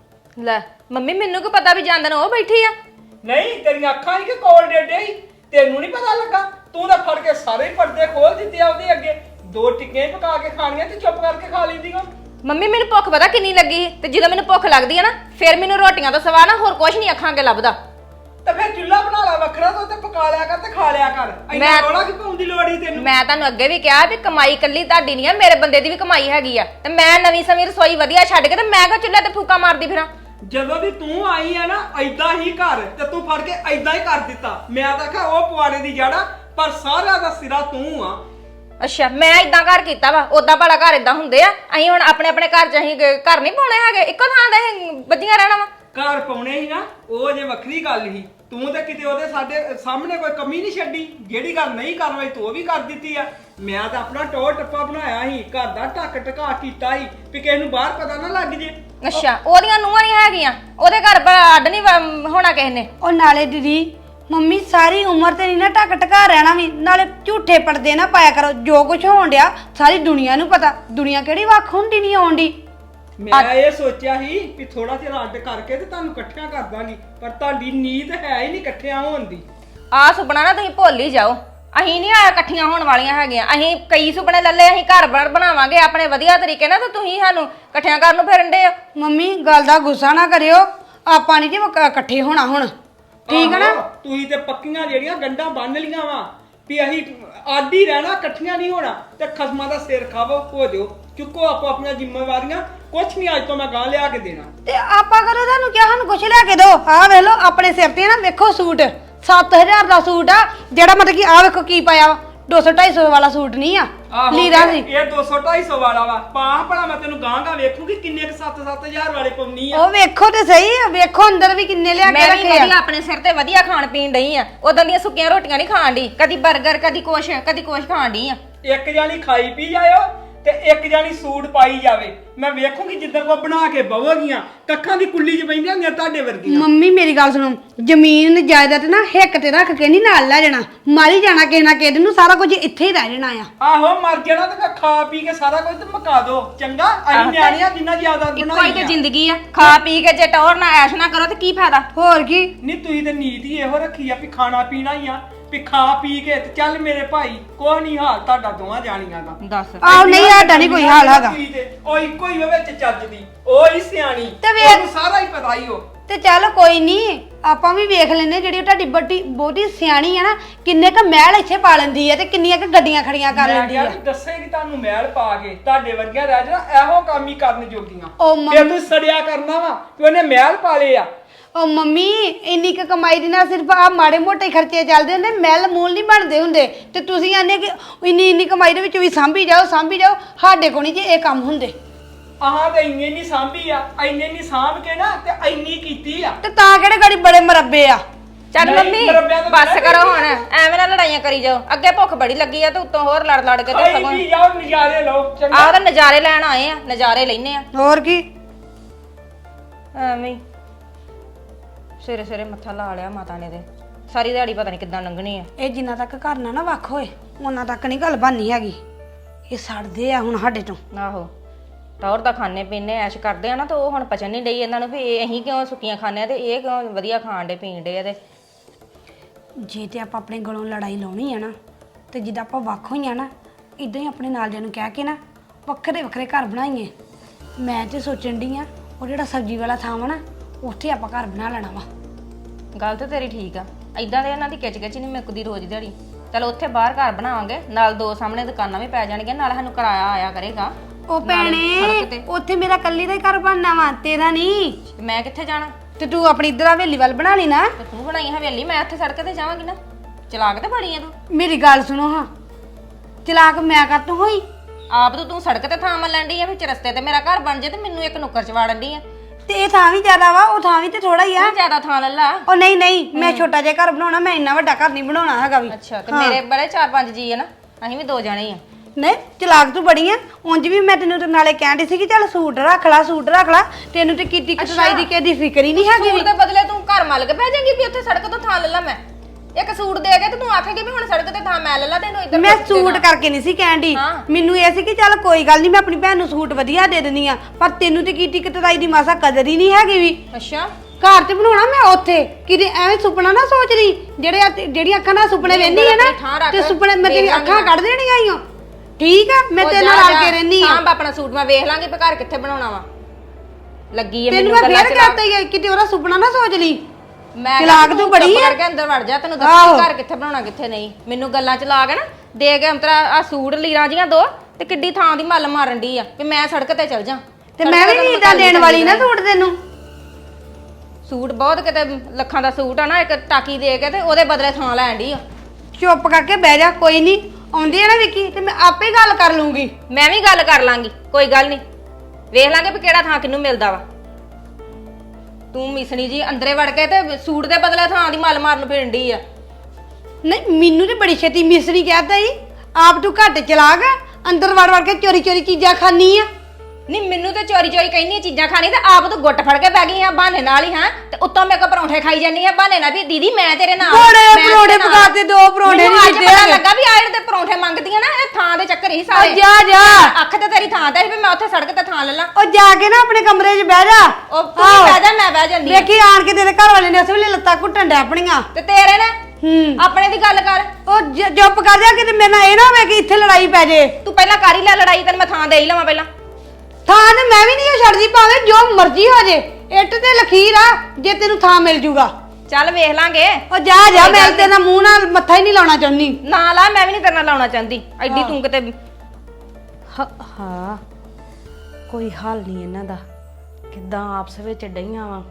Speaker 3: ਲੈ ਮੰਮੀ ਮੈਨੂੰ ਕੀ ਪਤਾ ਵੀ ਜਾਂਦਨ ਉਹ ਬੈਠੀ ਆ।
Speaker 2: ਨਹੀਂ ਤੇਰੀਆਂ ਅੱਖਾਂ ਹੀ ਕਿ ਕੋਲ ਡੇਡੇ ਹੀ, ਤੈਨੂੰ ਨਹੀਂ ਪਤਾ ਲੱਗਾ? ਤੂੰ ਤਾਂ ਫੜ ਕੇ ਸਾਰੇ ਪਰਦੇ ਖੋਲ ਦਿੱਤੇ ਆ ਉਹਦੇ ਅੱਗੇ। 2 ਟਿੱਕੀਆਂ ਪਕਾ ਕੇ ਖਾਣੀਆਂ ਤੇ ਚੁੱਪ ਕਰਕੇ ਖਾ ਲੈਂਦੀਆਂ।
Speaker 3: ਮੰਮੀ ਮੈਨੂੰ ਭੁੱਖ ਪਤਾ ਕਿੰਨੀ ਲੱਗੀ ਸੀ ਤੇ ਜਦੋਂ ਮੈਨੂੰ ਭੁੱਖ ਲੱਗਦੀ ਆ ਨਾ ਫਿਰ ਮੈਨੂੰ ਰੋਟੀਆਂ ਤੋਂ ਸਿਵਾ ਨਾ ਹੋਰ ਕੁਝ ਨਹੀਂ ਅੱਖਾਂ ਅੱਗੇ ਲੱਭਦਾ।
Speaker 2: ਤਾਂ ਫਿਰ ਚੁੱਲ੍ਹਾ ਬਣਾ ਲਾ ਵੱਖਰਾ ਤੇ ਉੱਤੇ ਪਕਾ ਲਿਆ ਕਰ ਤੇ ਖਾ ਲਿਆ ਕਰ। ਇੰਨਾ
Speaker 3: ਮੈਂ-
Speaker 2: ਰੌਲਾ ਕਿ ਪਾਉਣ ਦੀ ਲੋੜ ਹੀ ਤੈਨੂੰ?
Speaker 3: ਮੈਂ ਤੁਹਾਨੂੰ ਅੱਗੇ ਵੀ ਕਿਹਾ ਵੀ ਕਮਾਈ ਕੱਲੀ ਤੁਹਾਡੀ ਨਹੀਂ ਆ, ਮੇਰੇ ਬੰਦੇ ਦੀ ਵੀ ਕਮਾਈ ਹੈਗੀ ਆ। ਤੇ ਮੈਂ ਨਵੀਂ ਸਮੇਂ ਰਸੋਈ ਵਧੀਆ ਛੱਡ ਕੇ ਤੇ ਮੈਂ ਕਿਹਾ ਚੁੱਲ੍ਹੇ ਤੇ ਫੂਕਾ ਮਾਰਦੀ ਫਿਰਾਂ।
Speaker 2: ਜਦੋਂ ਦੀ ਤੂੰ ਆਈ ਆ ਨਾ ਐਦਾਂ ਹੀ ਘਰ ਤੇ ਤੂੰ ਫੜ ਕੇ ਐਦਾਂ ਹੀ ਕਰ ਦਿੱਤਾ। ਮੈਂ ਤਾਂ ਕਿਹਾ ਉਹ ਪੁਆੜੇ ਦੀ ਜੜਾ, ਪਰ ਸਾਰਿਆਂ ਦਾ ਸਿਰਾ ਤੂੰ ਆ।
Speaker 3: ਅੱਛਾ ਮੈਂ ਇਦਾਂ ਘਰ ਕੀਤਾ ਵਾ, ਉਦਾਂ ਭਲਾ ਘਰ ਇਦਾਂ ਹੁੰਦੇ ਆ? ਅਸੀਂ ਹੁਣ ਆਪਣੇ ਆਪਣੇ ਘਰ 'ਚ ਅਸੀਂ ਘਰ ਨਹੀਂ ਪਾਉਣੇ ਹੈਗੇ, ਇੱਕੋ ਥਾਂ ਤੇ ਅਸੀਂ ਬੱਜੀਆਂ ਰਹਿਣਾ ਵਾ।
Speaker 2: ਘਰ ਪਾਉਣੇ ਹੀ ਨਾ, ਉਹ ਜੇ ਵੱਖਰੀ ਗੱਲ ਸੀ। ਤੂੰ ਤਾਂ ਕਿਤੇ ਉਹਦੇ ਸਾਡੇ ਸਾਹਮਣੇ ਕੋਈ ਕਮੀ ਨਹੀਂ ਛੱਡੀ। ਜਿਹੜੀ ਗੱਲ ਨਹੀਂ ਕਰਵਾਈ ਤੂੰ ਉਹ ਵੀ ਕਰ ਦਿੱਤੀ ਆ। ਮੈਂ ਤਾਂ ਆਪਣਾ ਟੋਰ ਟੱਪਾ ਬਣਾਇਆ ਸੀ, ਘਰ ਦਾ ਢੱਕ ਢਕਾ ਕੀਤਾ ਸੀ ਵੀ ਕਿਸੇ ਨੂੰ ਬਾਹਰ ਪਤਾ ਨਾ ਲੱਗ ਜੇ।
Speaker 3: ਅੱਛਾ ਉਹਦੀਆਂ ਨੂੰਹਾਂ ਨਹੀਂ ਹੈਗੀਆਂ, ਉਹਦੇ ਘਰ ਅੱਡ ਨਹੀਂ ਹੋਣਾ ਕਿਸੇ ਨੇ।
Speaker 4: ਉਹ ਨਾਲੇ ਦੀਦੀ ਮੰਮੀ ਸਾਰੀ ਉਮਰ ਤੇ ਨਹੀਂ ਨਾ ਟਕ ਟਕਾ ਰਹਿਣਾ ਵੀ, ਨਾਲੇ ਝੂਠੇ ਪਰਦੇ ਨਾ ਪਾਇਆ ਕਰੋ। ਜੋ ਕੁਝ ਹੋਣ ਡਿਆ ਸਾਰੀ ਦੁਨੀਆ ਨੂੰ ਪਤਾ, ਦੁਨੀਆ ਕਿਹੜੀ ਵੱਖ ਹੁੰਦੀ ਨਹੀਂ ਆਉਂਦੀ।
Speaker 2: ਮੈਂ ਇਹ ਸੋਚਿਆ ਸੀ ਵੀ ਥੋੜਾ ਜਿਹਾ ਅੱਡ ਕਰਕੇ ਤੇ ਤੁਹਾਨੂੰ ਇਕੱਠਿਆਂ ਕਰ ਦਾਂਗੀ, ਪਰ ਤੁਹਾਡੀ ਨੀਤ ਹੈ ਹੀ ਨਹੀਂ ਇਕੱਠਿਆਂ ਹੋਣ ਦੀ।
Speaker 3: ਆਹ ਸੁਪਨਾ ਨਾ ਤੁਸੀਂ ਭੁੱਲ ਹੀ ਜਾਓ। ਅਸੀਂ ਨਹੀਂ ਆ ਇਕੱਠੀਆਂ ਹੋਣ ਵਾਲੀਆਂ ਹੈਗੀਆਂ। ਅਸੀਂ ਕਈ ਸੁਪਨੇ ਲੱਲੇ, ਅਸੀਂ ਘਰ ਬਣਾਵਾਂਗੇ ਆਪਣੇ ਵਧੀਆ ਤਰੀਕੇ ਨਾਲ, ਤੇ ਤੁਸੀਂ ਸਾਨੂੰ ਇਕੱਠਿਆਂ ਕਰਨ ਨੂੰ ਫਿਰਨ ਡੇ ਆ।
Speaker 4: ਮੰਮੀ ਗੱਲ ਦਾ ਗੁੱਸਾ ਨਾ ਕਰਿਓ, ਆਪਾਂ ਨਹੀਂ ਜੀ ਇਕੱਠੇ ਹੋਣਾ ਹੁਣ, ਠੀਕ ਹੈ ਨਾ?
Speaker 2: ਆਹੋ, ਤੁਸੀਂ ਤੇ ਪੱਕੀਆਂ ਜਿਹੜੀਆਂ ਗੰਢਾਂ ਬੰਨ ਲੀਆਂ ਵਾ ਵੀ ਅਸੀਂ ਆਦੀ ਰਹਿਣਾ, ਇਕੱਠੀਆਂ ਨਹੀਂ ਹੋਣਾ। ਤੇ ਖਸਮਾਂ ਦਾ ਸਿਰ ਖਾਵੋ ਹੋ ਜਾਓ, ਚੁੱਕੋ ਆਪੋ ਆਪਣੀਆਂ ਜ਼ਿੰਮੇਵਾਰੀਆਂ। ਕੁਛ ਨਹੀਂ ਅੱਜ ਤੋਂ ਮੈਂ ਗਾਂ ਲਿਆ ਕੇ ਦੇਣਾ।
Speaker 4: ਤੇ ਆਪਾਂ ਕਰੋ ਤੁਹਾਨੂੰ ਕਿਹਾ ਸਾਨੂੰ ਕੁਛ ਲਿਆ ਕੇ ਦਿਓ। ਆਹ ਵੇਖ ਲਓ ਆਪਣੇ ਸਿਰ ਤੇ ਨਾ, ਵੇਖੋ ਸੂਟ 7000 ਦਾ ਸੂਟ ਆ, ਜਿਹੜਾ ਮਤਲਬ ਕਿ ਆਹ ਵੇਖੋ ਕੀ ਪਾਇਆ ਵਾ, 200-250 ਵਾਲਾ ਸੂਟ ਨਹੀਂ ਆ, ਲੀਰਾ ਸੀ।
Speaker 2: ਇਹ 200-250 ਵਾਲਾ ਵਾ। ਪਾ ਭਲਾ ਮੈਂ ਤੈਨੂੰ ਗਾਂ ਵੇਖੂਗੀ ਕਿੰਨੇ ਕੁ 7-7000 ਵਾਲੇ ਪਾਉਣੀ ਆ।
Speaker 4: ਉਹ ਵੇਖੋ ਤੇ ਸਹੀ, ਵੇਖੋ ਅੰਦਰ ਵੀ ਕਿੰਨੇ ਲਿਆ ਕੇ
Speaker 3: ਮੈਂ ਵੀ
Speaker 4: ਰੱਖੇ ਆ।
Speaker 3: ਵਧੀਆ ਆਪਣੇ ਸਿਰ ਤੇ ਵਧੀਆ ਖਾਣ ਪੀਣ ਡਈ ਆ, ਉਦਾਂ ਦੀਆਂ ਸੁੱਕੀਆਂ ਰੋਟੀਆਂ ਨਹੀਂ ਖਾਣ ਡਈ। ਕਦੀ 버ਗਰ ਕਦੀ ਕੁਛ ਖਾਣ ਡਈ ਆ।
Speaker 2: ਇੱਕ ਜਾਨੀ ਖਾਈ ਪੀ ਜਾਇਓ ਤੇ ਇੱਕ ਜਾਨੀ ਸੂਟ ਪਾਈ ਜਾਵੇ। ਮੈਂ ਵੇਖੂਗੀ ਜਿੱਦਾਂ ਕੋ ਬਣਾ ਕੇ ਬਵੋਗੀਆਂ, ਕੱਖਾਂ ਦੀ ਕੁੱਲੀ 'ਚ ਬੈਠੀਆਂ ਹੁੰਦੀਆਂ ਤੁਹਾਡੇ ਵਰਗੀਆਂ।
Speaker 4: ਮੰਮੀ ਮੇਰੀ ਗੱਲ ਸੁਣੋ, ਜ਼ਮੀਨ ਜਾਇਦਾਦ ਨਾ ਹਿੱਕ ਤੇ ਰੱਖ ਕੇ ਨਹੀਂ ਨਾਲ ਲੈ ਜਾਣਾ, ਮਾਰੀ ਜਾਣਾ ਕਿਸੇ ਨਾ ਕਿਸੇ ਨੂੰ, ਸਾਰਾ ਕੁਝ ਇੱਥੇ ਹੀ ਰਹਿ ਜਾਣਾ ਆ।
Speaker 2: ਆਹੋ ਮਰ ਜਾਣਾ ਤੇ ਖਾ ਪੀ ਕੇ ਸਾਰਾ ਕੁਝ ਤੇ ਮੁਕਾ ਦੋ। ਚੰਗਾ ਅਸੀਂ ਨਿਆਣੀਆਂ ਜਿੰਨਾ ਜ਼ਿਆਦਾ
Speaker 3: ਇੱਕੋ ਹੀ
Speaker 2: ਬਣਾਈ
Speaker 3: ਤੇ
Speaker 2: ਆ।
Speaker 3: ਜ਼ਿੰਦਗੀ ਆ, ਖਾ ਪੀ ਕੇ ਜੇ ਟੌਰ ਨਾ ਐਸ਼ ਨਾ ਕਰੋ ਤੇ ਕੀ ਫਾਇਦਾ?
Speaker 4: ਹੋਰ ਕੀ?
Speaker 2: ਨਹੀਂ ਤੁਸੀਂ ਤੇ ਨੀਤ ਹੀ ਇਹੋ ਰੱਖੀ ਆ ਵੀ ਖਾਣਾ ਪੀਣਾ ਹੀ ਆ, ਵੀ ਖਾ ਪੀ ਕੇ ਤੇ ਚੱਲ ਮੇਰੇ ਭਾਈ ਕੋਈ ਨਹੀਂ ਹਾਲ ਤੁਹਾਡਾ ਦੋਵਾਂ ਜਾਣੀਆਂ ਦਾ।
Speaker 3: ਦੱਸ
Speaker 4: ਆਹ ਨਹੀਂ, ਸਾਡਾ ਨਹੀਂ ਕੋਈ ਹਾਲ ਹੈਗਾ।
Speaker 2: ਉਹ ਇੱਕੋ ਹੀ ਵਿੱਚ ਚੱਜਦੀ, ਉਹ ਹੀ ਸਿਆਣੀ,
Speaker 4: ਤੇ ਵੇਖ-
Speaker 2: ਉਹਨੂੰ ਸਾਰਾ ਹੀ ਪਤਾ ਹੀ ਉਹ।
Speaker 4: ਤੇ ਚੱਲ ਕੋਈ ਨਹੀਂ, ਆਪਾਂ ਵੀ ਵੇਖ ਲੈਨੇ ਜਿਹੜੀ ਤੁਹਾਡੀ ਬੱਟੀ ਬਹੁਤੀ ਸਿਆਣੀ ਆ ਨਾ, ਕਿੰਨੇ ਕ ਮਹਿਲ ਇੱਥੇ ਪਾ ਲੈਂਦੀ ਆ ਤੇ ਕਿੰਨੀਆਂ ਕ ਗੱਡੀਆਂ ਖੜੀਆਂ ਕਰ
Speaker 2: ਮੈਂ
Speaker 4: ਲੈਂਦੀ
Speaker 2: ਕਿਹਾ
Speaker 4: ਆ।
Speaker 2: ਵੀ ਦੱਸੇਗੀ ਤੁਹਾਨੂੰ ਮਹਿਲ ਪਾ ਕੇ, ਤੁਹਾਡੇ ਵਰਗੀਆਂ ਰਹਿ ਜਾਣਾ ਇਹੋ ਕੰਮ ਹੀ ਕਰਨ ਜੋਗੀਆਂ।
Speaker 4: ਉਹ ਮੰਮੀ-
Speaker 2: ਫਿਰ ਤੂੰ ਸੜਿਆ ਕਰਨਾ ਵਾ ਕਿ ਉਹਨੇ ਮਹਿਲ ਪਾ ਲਏ ਆ।
Speaker 4: ਉਹ ਮੰਮੀ ਇੰਨੀ ਕ ਕਮਾਈ ਦੀ ਨਾਲ ਸਿਰਫ ਆ ਮਾੜੇ ਮੋਟੇ ਖਰਚੇ ਚੱਲਦੇ ਹੁੰਦੇ, ਮਹਿਲ ਮੂਲ ਨਹੀਂ ਬਣਦੇ ਹੁੰਦੇ। ਤੇ ਤੁਸੀਂ ਆਨੇ ਕਿ ਇੰਨੀ ਕਮਾਈ ਦੇ ਵਿੱਚ ਵੀ ਸਾਂਭੀ ਜਾਓ। ਸਾਡੇ ਕੋਲ ਨਹੀਂ ਜੇ ਇਹ ਕੰਮ ਹੁੰਦੇ।
Speaker 2: ਆਹਾਂ ਤੇ ਇੰਨੇ ਨਹੀਂ ਸਾਂਭੀ ਆ, ਇੰਨੇ ਨਹੀਂ ਸਾਂਭ ਕੇ ਨਾ ਤੇ ਇੰਨੀ ਕੀਤੀ ਆ।
Speaker 4: ਤੇ ਤਾਂ ਕਿਹੜੇ ਗਾੜੀ ਬੜੇ ਮਰੱਬੇ ਆ।
Speaker 3: ਚੱਲ
Speaker 2: ਨਹੀਂ,
Speaker 3: ਮੰਮੀ
Speaker 2: ਮਰੱਬਿਆਂ ਤੋਂ
Speaker 3: ਬੱਸ
Speaker 2: ਮੈਂ
Speaker 3: ਕਰੋ
Speaker 2: ਵੀ
Speaker 3: ਹੁਣ, ਐਵੇਂ ਨਾ ਲੜਾਈਆਂ ਕਰੀ ਜਾਓ। ਅੱਗੇ ਭੁੱਖ ਬੜੀ ਲੱਗੀ ਆ ਤੇ ਉੱਤੋਂ ਹੋਰ ਲੜ ਕੇ ਤੇ
Speaker 2: ਖਾਈ
Speaker 3: ਸਗੋਂ
Speaker 2: ਪੀ ਜਾਓ, ਨਜ਼ਾਰੇ ਲਓ। ਚੰਗਾ
Speaker 3: ਆਹ ਤਾਂ ਨਜ਼ਾਰੇ ਲੈਣ ਆਏ ਆ, ਨਜ਼ਾਰੇ ਲੈਨੇ ਆ।
Speaker 4: ਹੋਰ ਕੀ?
Speaker 3: ਐਵੇਂ ਸਵੇਰੇ ਸਵੇਰੇ ਮੱਥਾ ਲਾ ਲਿਆ ਮਾਤਾ ਨੇ ਤੇ ਸਾਰੀ ਦਿਹਾੜੀ ਪਤਾ ਨਹੀਂ ਕਿੱਦਾਂ ਲੰਘਣੀ ਆ।
Speaker 4: ਇਹ ਜਿੰਨਾ ਤੱਕ ਘਰ ਨਾ ਵੱਖ ਹੋਏ ਉਹਨਾਂ ਤੱਕ ਨਹੀਂ ਗੱਲ ਬਣਨੀ ਹੈਗੀ। ਇਹ ਸੜਦੇ ਆ ਹੁਣ ਸਾਡੇ ਤੋਂ।
Speaker 3: ਆਹੋ ਟੌਰ ਦਾ ਖਾਣੇ ਪੀਣੇ ਐਸ਼ ਕਰਦੇ ਆ ਨਾ, ਤਾਂ ਉਹ ਹੁਣ ਪਚਣ ਨਹੀਂ ਡਈ ਇਹਨਾਂ ਨੂੰ ਵੀ ਅਸੀਂ ਕਿਉਂ ਸੁੱਕੀਆਂ ਖਾਂਦੇ ਆ ਤੇ ਇਹ ਕਿਉਂ ਵਧੀਆ ਖਾਣ ਡੇ ਪੀਣ ਡੇ ਆ। ਤੇ
Speaker 4: ਜੇ ਤੇ ਆਪਾਂ ਆਪਣੇ ਗਲੋਂ ਲੜਾਈ ਲਾਉਣੀ ਆ ਨਾ, ਤੇ ਜਿੱਦਾਂ ਆਪਾਂ ਵੱਖ ਹੋਈਆਂ ਨਾ, ਇਦਾਂ ਹੀ ਆਪਣੇ ਨਾਲ ਦਿਆਂ ਨੂੰ ਕਹਿ ਕੇ ਨਾ ਵੱਖਰੇ ਘਰ ਬਣਾਈਏ। ਮੈਂ ਤੇ ਸੋਚਣ ਡਈ ਆ ਉਹ ਜਿਹੜਾ ਸਬਜ਼ੀ ਵਾਲਾ ਥਾਂ ਵਾ ਨਾ, ਉੱਥੇ ਆਪਾਂ ਘਰ ਬਣਾ ਲੈਣਾ ਵਾ।
Speaker 3: ਗੱਲ ਤੇ ਤੇਰੀ ਠੀਕ ਆ, ਇਦਾਂ ਦੇ ਇਹਨਾਂ ਦੀ ਕਿਚ ਨਹੀਂ ਮੁੱਕਦੀ ਰੋਜ਼ ਦਿਹਾੜੀ। ਚਲ ਉੱਥੇ ਬਾਹਰ ਘਰ ਬਣਾਵਾਂਗੇ, ਨਾਲ 2 ਸਾਹਮਣੇ ਦੁਕਾਨਾਂ ਵੀ ਪੈ ਜਾਣਗੀਆਂ, ਨਾਲ ਸਾਨੂੰ ਕਿਰਾਇਆ ਆਇਆ ਕਰੇਗਾ।
Speaker 4: ਉਹ ਭੈਣੇ ਉੱਥੇ ਮੇਰਾ ਕੱਲੀ ਦਾ ਹੀ ਘਰ ਬਣਨਾ ਵਾ, ਤੇਰਾ ਨਹੀਂ।
Speaker 3: ਤੇ ਮੈਂ ਕਿੱਥੇ ਜਾਣਾ?
Speaker 4: ਤੇ ਤੂੰ ਆਪਣੀ ਇਧਰ ਹਵੇਲੀ ਵੱਲ ਬਣਾ ਲਈ ਨਾ।
Speaker 3: ਤੇ ਤੂੰ ਬਣਾਈ ਹਵੇਲੀ, ਮੈਂ ਇੱਥੇ ਸੜਕ ਤੇ ਜਾਵਾਂਗੀ ਨਾ। ਚਲਾਕ ਤੇ ਬੜੀ ਆ ਤੂੰ।
Speaker 4: ਮੇਰੀ ਗੱਲ ਸੁਣੋ ਹਾਂ, ਚਲਾਕ ਮੈਂ ਕਰ ਤੂੰ ਹੋਈ।
Speaker 3: ਆਪ ਤੂੰ ਸੜਕ ਤੇ ਥਾਂ ਮੱਲਣ ਡਈ ਆ, ਵਿੱਚ ਰਸਤੇ ਤੇ ਮੇਰਾ ਘਰ ਬਣ ਜੇ ਤੇ ਮੈਨੂੰ ਇੱਕ ਨੁੱਕਰ ਚ ਵਾੜਨ ਡਈ ਆ।
Speaker 4: ਤੇ ਇਹ ਥਾਂ ਵੀ ਜ਼ਿਆਦਾ ਵਾ, ਉਹ ਥਾਂ ਵੀ ਤੇ ਥੋੜਾ ਹੀ ਆ।
Speaker 3: ਜ਼ਿਆਦਾ ਥਾਂ ਲੈ ਲਾ।
Speaker 4: ਉਹ ਨਹੀਂ ਨਹੀਂ, ਮੈਂ ਛੋਟਾ ਜਿਹਾ ਘਰ ਬਣਾਉਣਾ, ਮੈਂ ਇੰਨਾ ਵੱਡਾ ਘਰ ਨਹੀਂ ਬਣਾਉਣਾ ਹੈਗਾ ਵੀ।
Speaker 3: ਅੱਛਾ, ਤੇ ਮੇਰੇ ਬੜੇ 4-5 ਜੀ ਆ ਨਾ, ਅਸੀਂ ਵੀ 2 ਜਾਣੇ ਆ।
Speaker 4: ਨਹੀਂ ਚਲਾਕ ਤੂੰ ਬੜੀ ਆ। ਉਂਝ ਵੀ ਮੈਂ ਤੈਨੂੰ ਤੇ ਨਾਲੇ ਕਹਿੰਦੀ ਸੀ ਕਿ ਚੱਲ ਸੂਟ ਰੱਖ ਲਾ, ਤੈਨੂੰ ਤੇ ਕੀਤੀ ਕਟਾਈ ਦੀ ਕਿਸੇ ਦੀ ਫਿਕਰ ਹੀ ਨਹੀਂ ਹੈਗੀ।
Speaker 3: ਸੂਟ ਦੇ ਬਦਲੇ ਤੂੰ ਘਰ ਮੱਲ ਕੇ ਬਹਿ ਜਾਏਂਗੀ ਵੀ ਉੱਥੇ ਸੜਕ ਤੋਂ ਥਾਂ ਲੈ ਲਾ। ਮੈਂ ਇੱਕ ਸੂਟ ਦੇ ਕੇ ਤੇ ਤੂੰ ਆਖੇਂਗੀ ਵੀ ਹੁਣ ਸੜਕ ਤੇ ਥਾਂ ਮੈਂ ਲੈ ਲਾ। ਤੈਨੂੰ ਇੱਧਰ
Speaker 4: ਮੈਂ ਸੂਟ ਕਰਕੇ ਨਹੀਂ ਸੀ ਕਹਿੰਦੀ, ਮੈਨੂੰ ਇਹ ਸੀ ਕਿ ਚੱਲ ਕੋਈ ਗੱਲ ਨਹੀਂ, ਮੈਂ ਆਪਣੀ ਭੈਣ ਨੂੰ ਸੂਟ ਵਧੀਆ ਦੇ ਦਿੰਦੀ ਆ, ਪਰ ਤੈਨੂੰ ਤੇ ਕੀਤੀ ਕਟਾਈ ਦੀ ਮਾਸਾ ਕਦਰ ਹੀ ਨਹੀਂ ਹੈਗੀ ਵੀ।
Speaker 3: ਅੱਛਾ,
Speaker 4: ਘਰ ਤੇ ਬਣਾਉਣਾ ਮੈਂ ਉੱਥੇ, ਕਿਤੇ ਐਵੇਂ ਸੁਪਨਾ ਨਾ ਸੋਚ ਲਈ ਜਿਹੜੀਆਂ ਅੱਖਾਂ ਨਾਲ ਸੁਪਨੇ ਵੇਂਦੀ ਹੈ ਨਾ, ਤੇ ਸੁਪਨੇ ਮੈਂ ਤੇਰੀਆਂ ਅੱਖਾਂ ਕੱਢ ਦੇਣੀਆਂ ਈ ਓ। ਠੀਕ ਆ, ਮੈਂ ਤੇਰੇ ਨਾਲ ਰਲ ਕੇ ਰਹਿਨੀ ਆ।
Speaker 3: ਹਾਂ, ਆਪਣਾ ਸੂਟ ਮੈਂ ਵੇਖ ਲਾਂਗੀ ਵੀ ਘਰ ਕਿੱਥੇ ਬਣਾਉਣਾ ਵਾ। ਲੱਗੀ ਐ
Speaker 4: ਤੈਨੂੰ
Speaker 3: ਮੈਨੂੰ
Speaker 4: ਮੈਂ ਫੇਰ ਕਹਤਾ ਹੀ ਕਿਤੇ ਉਹਦਾ ਸੁਪਨਾ ਨਾ ਸੋਚ ਲਈ।
Speaker 3: ਮੈਂ
Speaker 4: ਚਲਾਕ ਤੂੰ ਬੜੀ
Speaker 3: ਆ। ਕਰਕੇ ਅੰਦਰ ਵੜ ਜਾ, ਤੈਨੂੰ ਦੱਸਾਂ ਘਰ ਕਿੱਥੇ ਬਣਾਉਣਾ ਕਿੱਥੇ ਨਹੀਂ। ਮੈਨੂੰ ਗੱਲਾਂ ਚ ਲਾ ਕੇ ਨਾ ਦੇ ਕੇ ਅੰਤਰਾ ਆ ਸੂਟ ਲੀਰਾਂ ਜੀਆਂ 2 ਤੇ ਕਿੱਡੀ ਥਾਂ ਦੀ ਮੱਲ ਮਾਰਨ ਡਈ ਆ ਵੀ ਮੈਂ ਸੜਕ ਤੇ ਚਲ ਜਾ।
Speaker 4: ਤੇ ਮੈਂ ਵੀ ਨਹੀਂ ਇਦਾਂ ਦੇਣ ਵਾਲੀ ਨਾ ਸੂਟ ਤੈਨੂੰ।
Speaker 3: ਸੂਟ ਬਹੁਤ ਕਿਤੇ ਲੱਖਾਂ ਦਾ ਸੂਟ ਆ ਨਾ, ਇੱਕ ਟਾਕੀ ਦੇ ਕੇ ਤੇ ਉਹਦੇ ਬਦਲੇ ਥਾਂ ਲੈਣ ਡਈ ਆ।
Speaker 4: ਚੁੱਪ ਕਰਕੇ ਬਹਿ ਜਾ, ਕੋਈ ਨਹੀਂ ਆਉਂਦੀ ਹੈ ਨਾ ਵਿੱਕੀ ਤੇ ਮੈਂ ਆਪੇ ਗੱਲ ਕਰ ਲੂੰਗੀ।
Speaker 3: ਮੈਂ ਵੀ ਗੱਲ ਕਰ ਲਾਂਗੀ, ਕੋਈ ਗੱਲ ਨਹੀਂ। ਵੇਖ ਲਾਂਗੇ ਵੀ ਕਿਹੜਾ ਥਾਂ ਕਿਹਨੂੰ ਮਿਲਦਾ ਵਾ। ਤੂੰ ਮਿਸਣੀ ਜੀ ਅੰਦਰੇ ਵੜ ਕੇ ਤੇ ਸੂਟ ਦੇ ਬਦਲੇ ਥਾਂ ਦੀ ਮੱਲ ਮਾਰਨ ਫਿਰਨ ਡਈ ਆ।
Speaker 4: ਨਹੀਂ ਮੈਨੂੰ ਤੇ ਬੜੀ ਛੇਤੀ ਮਿਸਰੀ ਕਹਿਤਾ ਹੀ, ਆਪ ਤੂੰ ਘੱਟ ਚਲਾਕ ਅੰਦਰ ਵੜ ਵੜ ਕੇ ਚੋਰੀ ਚੀਜ਼ਾਂ ਖਾਨੀ ਆ।
Speaker 3: ਨਹੀਂ ਮੈਨੂੰ ਤੇ ਚੋਰੀ ਕਹਿੰਦੀ ਚੀਜ਼ਾਂ ਖਾਣੀ ਤੇ ਆਪ ਤੂੰ ਗੁੱਟ ਫੜ ਕੇ ਬਹਿ ਗਈ ਆ ਬਹਾਨੇ ਨਾਲ ਹੀ। ਹਾਂ, ਤੇ ਉੱਤੋਂ ਮੇਰੇ ਕੋ ਪਰੌਂਠੇ ਖਾਈ ਜਾਂਦੀ ਆ ਬਹਾਨੇ ਨਾਲ ਵੀ ਦੀਦੀ ਮੈਂ ਤੇਰੇ ਨਾਲ
Speaker 4: ਪਰੌਂਠੇ ਪਕਾਤੇ 2 ਪਰੌਂਠੇ ਨਹੀਂ ਦਿੱਤੇ।
Speaker 3: ਪਤਾ ਲੱਗਾ ਵੀ ਆਏ ਤੇ ਪਰੌਂਠੇ ਮੰਗਦੀਆਂ ਨਾ, ਇਹ ਥਾਂ ਦੇ ਚੱਕਰ ਹੀ ਸਾਰੇ।
Speaker 4: ਜਾ
Speaker 3: ਅੱਖ ਤੇ ਤੇਰੀ ਥਾਂ ਤੇ ਵੀ ਮੈਂ ਉੱਥੇ ਸੜਕ ਤੇ ਥਾਂ ਲੈ ਲਾਂ।
Speaker 4: ਉਹ ਜਾ ਕੇ ਨਾ ਆਪਣੇ ਕਮਰੇ 'ਚ ਬਹਿ ਜਾ।
Speaker 3: ਉਹ ਤੂੰ ਬਹਿ ਜਾ, ਮੈਂ ਬਹਿ ਜਾਂਦੀ।
Speaker 4: ਵੇਖੀ ਆਣ ਕੇ ਤੇਰੇ ਘਰ ਵਾਲੇ ਨੇ ਉਸ ਵੇਲੇ ਲੱਤਾਂ ਘੁੱਟਣ ਡੈ ਆਪਣੀਆਂ
Speaker 3: ਤੇ ਤੇਰੇ ਨੇ ਆਪਣੇ ਦੀ ਗੱਲ ਕਰ।
Speaker 4: ਉਹ ਚੁੱਪ ਕਰ ਜਾ, ਕਿਤੇ ਮੇਰੇ ਨਾਲ ਇਹ ਨਾ ਹੋਵੇ ਕਿ ਇੱਥੇ ਲੜਾਈ ਪੈ ਜੇ।
Speaker 3: ਤੂੰ ਪਹਿਲਾਂ ਕਰ ਹੀ ਲੈ ਲੜਾਈ, ਤੈਨੂੰ ਮੈਂ ਥਾਂ ਦੇ ਹੀ ਲਵਾਂ ਪਹਿਲਾਂ।
Speaker 4: ਥਾਂ ਤੇ ਮੈਂ ਵੀ ਨਹੀਂ ਛੱਡਦੀ, ਭਾਵੇਂ ਜੋ ਮਰਜ਼ੀ ਹੋ ਜੇ। ਇੱਟ ਤੇ ਲਖੀਰ ਆ, ਜੇ ਤੈਨੂੰ ਥਾਂ ਮਿਲ ਜੂਗਾ।
Speaker 3: ਚੱਲ ਵੇਖ ਲਾਂਗੇ।
Speaker 4: ਉਹ ਜਾ ਮੈਂ ਤੇਰੇ ਨਾਲ ਮੂੰਹ ਨਾਲ ਮੱਥਾ ਹੀ ਨਹੀਂ ਲਾਉਣਾ ਚਾਹੁੰਦੀ।
Speaker 3: ਨਾ ਲਾ, ਮੈਂ ਵੀ ਨਹੀਂ ਤੇਰੇ ਨਾਲ ਲਾਉਣਾ ਚਾਹੁੰਦੀ। ਐਡੀ ਤੂੰ ਕਿਤੇ
Speaker 4: ਹਾਂ ਕੋਈ ਹਾਲ ਨਹੀਂ ਇਹਨਾਂ ਦਾ, ਕਿੱਦਾਂ ਆਪਸ ਵਿੱਚ ਡਈਆਂ ਵਾ,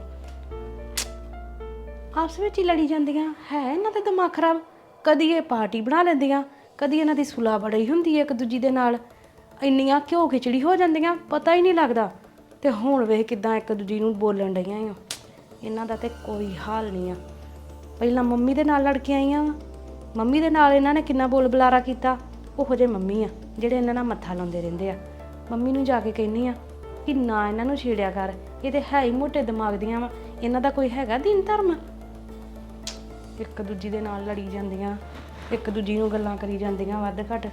Speaker 4: ਆਪਸ ਵਿੱਚ ਹੀ ਲੜੀ ਜਾਂਦੀਆਂ। ਹੈ ਇਹਨਾਂ ਦਾ ਦਿਮਾਗ ਖਰਾਬ। ਕਦੀ ਇਹ ਪਾਰਟੀ ਬਣਾ ਲੈਂਦੀਆਂ, ਕਦੀ ਇਹਨਾਂ ਦੀ ਸੁਲਾ ਬੜੀ ਹੁੰਦੀ ਹੈ ਇੱਕ ਦੂਜੀ ਦੇ ਨਾਲ। ਇੰਨੀਆਂ ਘਿਓ ਖਿਚੜੀ ਹੋ ਜਾਂਦੀਆਂ, ਪਤਾ ਹੀ ਨਹੀਂ ਲੱਗਦਾ। ਤੇ ਹੁਣ ਵੇਖ ਕਿੱਦਾਂ ਇੱਕ ਦੂਜੀ ਨੂੰ ਬੋਲਣ ਡਈਆਂ ਆ। ਇਹਨਾਂ ਦਾ ਤੇ ਕੋਈ ਹਾਲ ਨਹੀਂ ਆ। ਪਹਿਲਾਂ ਮੰਮੀ ਦੇ ਨਾਲ ਲੜ ਕੇ ਆਈਆਂ ਵਾ, ਮੰਮੀ ਦੇ ਨਾਲ ਇਹਨਾਂ ਨੇ ਕਿੰਨਾ ਬੋਲ ਬੁਲਾਰਾ ਕੀਤਾ। ਉਹੋ ਜਿਹੇ ਮੰਮੀ ਆ ਜਿਹੜੇ ਇਹਨਾਂ ਨਾਲ ਮੱਥਾ ਲਾਉਂਦੇ ਰਹਿੰਦੇ ਆ। ਮੰਮੀ ਨੂੰ ਜਾ ਕੇ ਕਹਿੰਦੀ ਆ ਕਿ ਨਾ ਇਹਨਾਂ ਨੂੰ ਛੇੜਿਆ ਕਰ, ਇਹ ਤੇ ਹੈ ਹੀ ਮੋਟੇ ਦਿਮਾਗ ਦੀਆਂ ਵਾ, ਇਹਨਾਂ ਦਾ ਕੋਈ ਹੈਗਾ ਦੀਨ ਧਰਮ। ਇੱਕ ਦੂਜੀ ਦੇ ਨਾਲ ਲੜੀ ਜਾਂਦੀਆਂ, ਇੱਕ ਦੂਜੀ ਨੂੰ ਗੱਲਾਂ ਕਰੀ ਜਾਂਦੀਆਂ ਵੱਧ ਘੱਟ।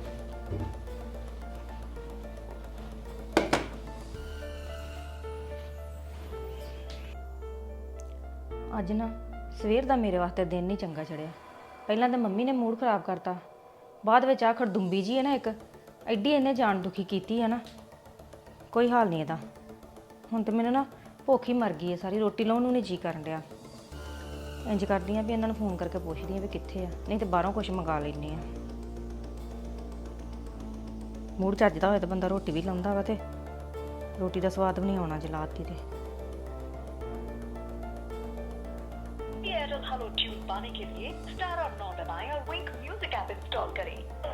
Speaker 3: ਅੱਜ ਨਾ ਸਵੇਰ ਦਾ ਮੇਰੇ ਵਾਸਤੇ ਦਿਨ ਨਹੀਂ ਚੰਗਾ ਚੜਿਆ। ਪਹਿਲਾਂ ਤਾਂ ਮੰਮੀ ਨੇ ਮੂਡ ਖਰਾਬ ਕਰਤਾ, ਬਾਅਦ ਵਿੱਚ ਆ ਖੜਦੁੰਬੀ ਜੀ ਹੈ ਨਾ ਇੱਕ, ਐਡੀ ਇਹਨੇ ਜਾਨ ਦੁਖੀ ਕੀਤੀ ਹੈ ਨਾ, ਕੋਈ ਹਾਲ ਨਹੀਂ ਇਹਦਾ। ਹੁਣ ਤੇ ਮੈਨੂੰ ਨਾ ਭੁੱਖ ਹੀ ਮਰ ਗਈ ਹੈ ਸਾਰੀ, ਰੋਟੀ ਲਾਉਣ ਨੂੰ ਨਹੀਂ ਜੀ ਕਰਨ ਡਿਆ। ਇੰਜ ਕਰਦੀ ਆ ਵੀ ਇਹਨਾਂ ਨੂੰ ਫੋਨ ਕਰਕੇ ਪੁੱਛਦੀ ਆ ਵੀ ਕਿੱਥੇ ਆ, ਨਹੀਂ ਤੇ ਬਾਹਰੋਂ ਕੁਝ ਮੰਗਾ ਲੈਂਦੀ ਆ। ਮੂਡ ਚੱਜਦਾ ਹੋਏ ਤਾਂ ਬੰਦਾ ਰੋਟੀ ਵੀ ਲਾਉਂਦਾ ਵਾ, ਤੇ ਰੋਟੀ ਦਾ ਸਵਾਦ ਵੀ ਨਹੀਂ ਆਉਣਾ ਜੇ ਲਾਤੀ ਤੇ।
Speaker 5: हेलो ट्यून पाने के लिए स्टार और 9 दबाएं और विंक म्यूजिक ऐप इंस्टॉल करें।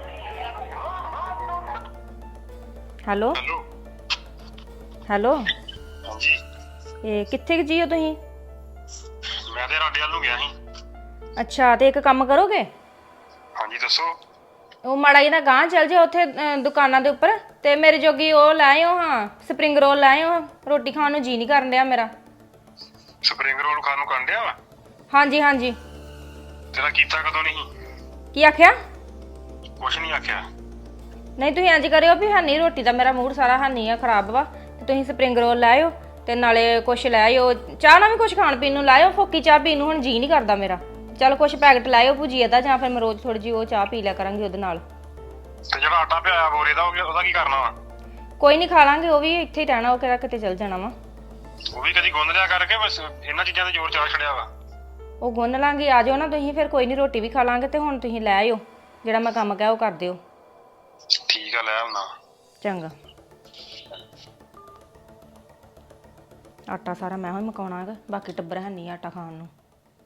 Speaker 3: ਹੈਲੋ ਹੈਲੋ,
Speaker 6: ਹਾਂਜੀ
Speaker 3: ਇਹ ਕਿੱਥੇ ਜੀ ਹੋ ਤੁਸੀਂ?
Speaker 6: ਮੈਂ ਤੇ ਰਾਡੇ ਵੱਲ ਨੂੰ ਗਿਆ ਸੀ।
Speaker 3: ਅੱਛਾ, ਤੇ ਇੱਕ ਕੰਮ ਕਰੋਗੇ?
Speaker 6: ਹਾਂਜੀ ਦੱਸੋ।
Speaker 3: ਉਹ ਮਾੜਾ ਜਿਹਾ ਗਾਂਹ ਚੱਲ ਜਾਓ ਉੱਥੇ ਦੁਕਾਨਾਂ ਦੇ ਉੱਪਰ, ਤੇ ਮੇਰੇ ਜੋਗੀ ਉਹ ਲੈ ਆਇਓ। ਹਾਂ, ਸਪਰਿੰਗ ਰੋਲ ਲੈ ਆਇਓ, ਰੋਟੀ ਖਾਣ ਨੂੰ ਜੀ ਨਹੀਂ ਕਰਨ ਡਿਆ ਮੇਰਾ।
Speaker 6: ਸਪਰਿੰਗ ਰੋਲ ਖਾਣ ਨੂੰ ਕਰਨ ਡਿਆ ਵਾ?
Speaker 3: ਹਾਂਜੀ ਹਾਂਜੀ।
Speaker 6: ਤੇਰਾ ਕੀਤਾ ਕਦੋਂ ਨਹੀਂ?
Speaker 3: ਕੀ ਆਖਿਆ?
Speaker 6: ਕੁਛ ਨਹੀਂ ਆਖਿਆ।
Speaker 3: ਨਹੀਂ ਤੁਸੀਂ ਇੰਜ ਕਰਿਓ ਵੀ ਹਾਨੀ ਰੋਟੀ ਦਾ ਮੇਰਾ ਮੂਡ ਸਾਰਾ ਹਾਨੀ ਆ ਖਰਾਬ ਵਾ, ਤੇ ਤੁਸੀਂ ਸਪਰਿੰਗ ਰੋਲ ਲੈ ਆਇਓ, ਤੇ ਨਾਲੇ ਕੁਛ ਲੈ ਆਇਓ, ਚਾਹ ਨਾਲ ਵੀ ਕੁਛ ਖਾਣ ਪੀਣ ਨੂੰ ਲਾਇਓ। ਫੋਕੀ ਚਾਹ ਪੀਣ ਨੂੰ ਹੁਣ ਜੀ ਨਹੀਂ ਕਰਦਾ ਮੇਰਾ। ਚਲ ਕੁਛ ਪੈਕਟ ਲਾਇਓ ਭੁਜੀਆ ਦਾ, ਜਾਂ ਫਿਰ ਮੈਂ ਰੋਜ਼ ਥੋੜੀ ਜਿਹੀ ਉਹ ਚਾਹ ਪੀ ਲਿਆ ਕਰਾਂਗੀ ਉਹਦੇ ਨਾਲ।
Speaker 6: ਤੇ ਜਿਹੜਾ ਆਟਾ ਪਿਆਇਆ ਬੋਰੇ ਦਾ ਉਹਦਾ ਕੀ ਕਰਨਾ ਵਾ?
Speaker 3: ਕੋਈ ਨਹੀਂ, ਖਾ ਲਾਂਗੇ, ਉਹ ਵੀ ਇੱਥੇ ਹੀ ਰਹਿਣਾ, ਉਹ ਕਿਹੜਾ ਕਿਤੇ ਚੱਲ ਜਾਣਾ ਵਾ।
Speaker 6: ਉਹ ਵੀ ਕਦੀ ਗੁੰਦ ਲਿਆ ਕਰਕੇ, ਬਸ ਇਹਨਾਂ ਚੀਜ਼ਾਂ ਤੇ ਜ਼ੋਰ ਚਾ ਛੜਿਆ ਵਾ।
Speaker 3: ਉਹ ਗੁੰਨ ਲਾਂਗੇ, ਆ ਜਾਓ ਨਾ ਤੁਸੀਂ ਫਿਰ, ਕੋਈ ਨਹੀਂ ਰੋਟੀ ਵੀ ਖਾ ਲਾਂਗੇ। ਤੇ ਹੁਣ ਤੁਸੀਂ ਲੈ ਆਇਓ, ਜਿਹੜਾ ਮੈਂ ਕੰਮ ਕਿਹਾ ਉਹ ਕਰ ਦਿਓ।
Speaker 6: ਠੀਕ ਆ, ਲੈ ਆਉਣਾ।
Speaker 3: ਚੰਗਾ। ਆਟਾ ਸਾਰਾ ਮੈਂ ਹੀ ਮਕਾਉਣਾ ਹੈਗਾ, ਬਾਕੀ ਟੱਬਰ ਹੈ ਨਹੀਂ ਆਟਾ ਖਾਣ ਨੂੰ।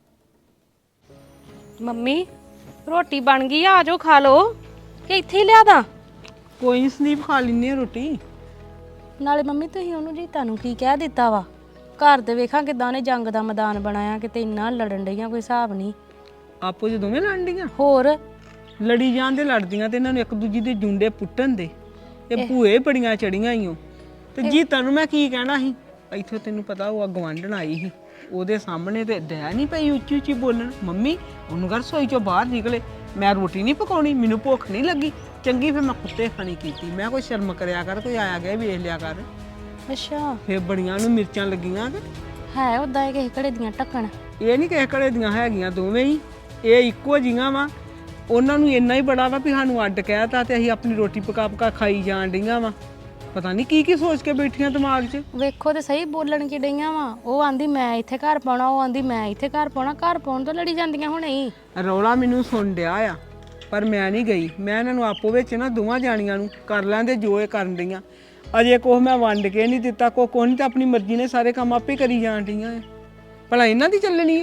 Speaker 3: ਮੰਮੀ ਰੋਟੀ ਬਣ ਗਈ ਆ ਜਾਓ ਖਾ ਲਓ ਕਿ ਇੱਥੇ ਹੀ ਲਿਆ ਦਾਂ?
Speaker 2: ਕੋਈ ਨੀ ਸੰਦੀਪ, ਖਾ ਲੈਂਦੇ ਆ ਰੋਟੀ।
Speaker 3: ਨਾਲੇ ਮੰਮੀ ਤੁਸੀਂ ਉਹਨੂੰ ਜੀ ਤੁਹਾਨੂੰ ਕੀ ਕਹਿ ਦਿੱਤਾ ਵਾ? ਘਰ ਦੇ ਵੇਖਾਂ ਕਿਦਾਂ ਉਹਨੇ ਜੰਗ ਦਾ ਮੈਦਾਨ ਬਣਾਇਆ, ਕਿਤੇ ਇੰਨਾ ਲੜਨ ਡਈਆਂ ਕੋਈ ਹਿਸਾਬ ਨਹੀਂ।
Speaker 2: ਆਪੋ ਚ ਦੋਵੇਂ ਲੜਦੀਆਂ,
Speaker 3: ਹੋਰ
Speaker 2: ਲੜੀ ਜਾਂਦੇ ਲੜਦੀਆਂ ਤੇ ਇਹਨਾਂ ਨੂੰ ਇੱਕ ਦੂਜੀ ਦੇ ਜੁੰਡੇ ਪੁੱਟਣ ਦੇ। ਇਹ ਭੂਏ ਬੜੀਆਂ ਚੜੀਆਂ ਈਓ। ਤੇ ਜੀ ਤੈਨੂੰ ਮੈਂ ਕੀ ਕਹਿਣਾ ਸੀ, ਇੱਥੇ ਤੈਨੂੰ ਪਤਾ ਉਹ ਗਵਾਂਢਣ ਆਈ ਸੀ, ਉਹਦੇ ਸਾਹਮਣੇ ਤੇ ਦਇਆ ਨਹੀਂ ਪਈ ਉੱਚੀ ਉੱਚੀ ਬੋਲਣ। ਮੰਮੀ ਉਹਨੂੰ ਘਰ ਰਸੋਈ ਚੋਂ ਬਾਹਰ ਨਿਕਲੇ, ਮੈਂ ਰੋਟੀ ਨਹੀਂ ਪਕਾਉਣੀ, ਮੈਨੂੰ ਭੁੱਖ ਨਹੀਂ ਲੱਗੀ। ਚੰਗੀ ਫਿਰ ਮੈਂ ਕੁੱਤੇ ਖਾਣੀ ਕੀਤੀ। ਮੈਂ ਕੋਈ ਸ਼ਰਮ ਕਰਿਆ ਕਰ, ਕੋਈ ਆਇਆ ਗਿਆ ਵੇਖ ਲਿਆ ਕਰ।
Speaker 3: ਅੱਛਾ
Speaker 2: ਫਿਰ ਬੜੀਆਂ ਨੂੰ ਮਿਰਚਾਂ ਲੱਗੀਆਂ ਕਿ
Speaker 3: ਹੈ ਉਦਾਂ ਇਹ ਕਿਸੇ ਘੜੇ ਦੀਆਂ ਢੱਕਣ?
Speaker 2: ਇਹ ਨਹੀਂ ਕਿਸੇ ਘੜੇ ਦੀਆਂ ਹੈਗੀਆਂ, ਦੋਵੇਂ ਹੀ ਇਹ ਇੱਕੋ ਜੀਆਂ ਵਾ। ਉਹਨਾਂ ਨੂੰ ਇੰਨਾ ਹੀ ਬੜਾ ਵਾ ਵੀ ਸਾਨੂੰ ਅੱਡ ਕਹਿਤਾ ਤੇ ਅਸੀਂ ਆਪਣੀ ਰੋਟੀ ਪਕਾ ਪਕਾ ਖਾਈ ਜਾਣ ਡੀਆਂ ਵਾ। ਪਤਾ ਨਹੀਂ ਕੀ ਕੀ ਸੋਚ ਕੇ ਬੈਠੀਆਂ ਦਿਮਾਗ 'ਚ।
Speaker 3: ਵੇਖੋ ਤੇ ਸਹੀ ਬੋਲਣ ਕੀ ਡਈਆਂ ਵਾ। ਉਹ ਆਂਦੀ ਮੈਂ ਇੱਥੇ ਘਰ ਪਾਉਣਾ, ਉਹ ਆਂਦੀ ਮੈਂ ਇੱਥੇ ਘਰ ਪਾਉਣਾ। ਘਰ ਪਾਉਣ ਤੋਂ ਲੜੀ ਜਾਂਦੀਆਂ ਹੁਣੇ ਹੀ।
Speaker 2: ਰੌਲਾ ਮੈਨੂੰ ਸੁਣ ਡਿਆ ਆ, ਪਰ ਮੈਂ ਨਹੀਂ ਗਈ। ਮੈਂ ਇਹਨਾਂ ਨੂੰ ਆਪੋ ਵਿੱਚ ਨਾ ਦੋਵਾਂ ਜਾਣੀਆਂ ਨੂੰ ਕਰ ਲੈਂਦੇ ਜੋ ਇਹ ਕਰਨ ਡੀਆਂ। ਅਜੇ ਕੁਛ ਮੈਂ ਵੰਡ ਕੇ ਨਹੀਂ ਦਿੱਤਾ, ਕੋਈ ਨਹੀਂ, ਤਾਂ ਆਪਣੀ ਮਰਜ਼ੀ ਨੇ ਸਾਰੇ ਕੰਮ ਆਪੇ ਕਰੀ ਜਾਣ ਡੀਆਂ ਆ। ਭਲਾ ਇਹਨਾਂ ਦੀ ਚੱਲਣੀ ਆ?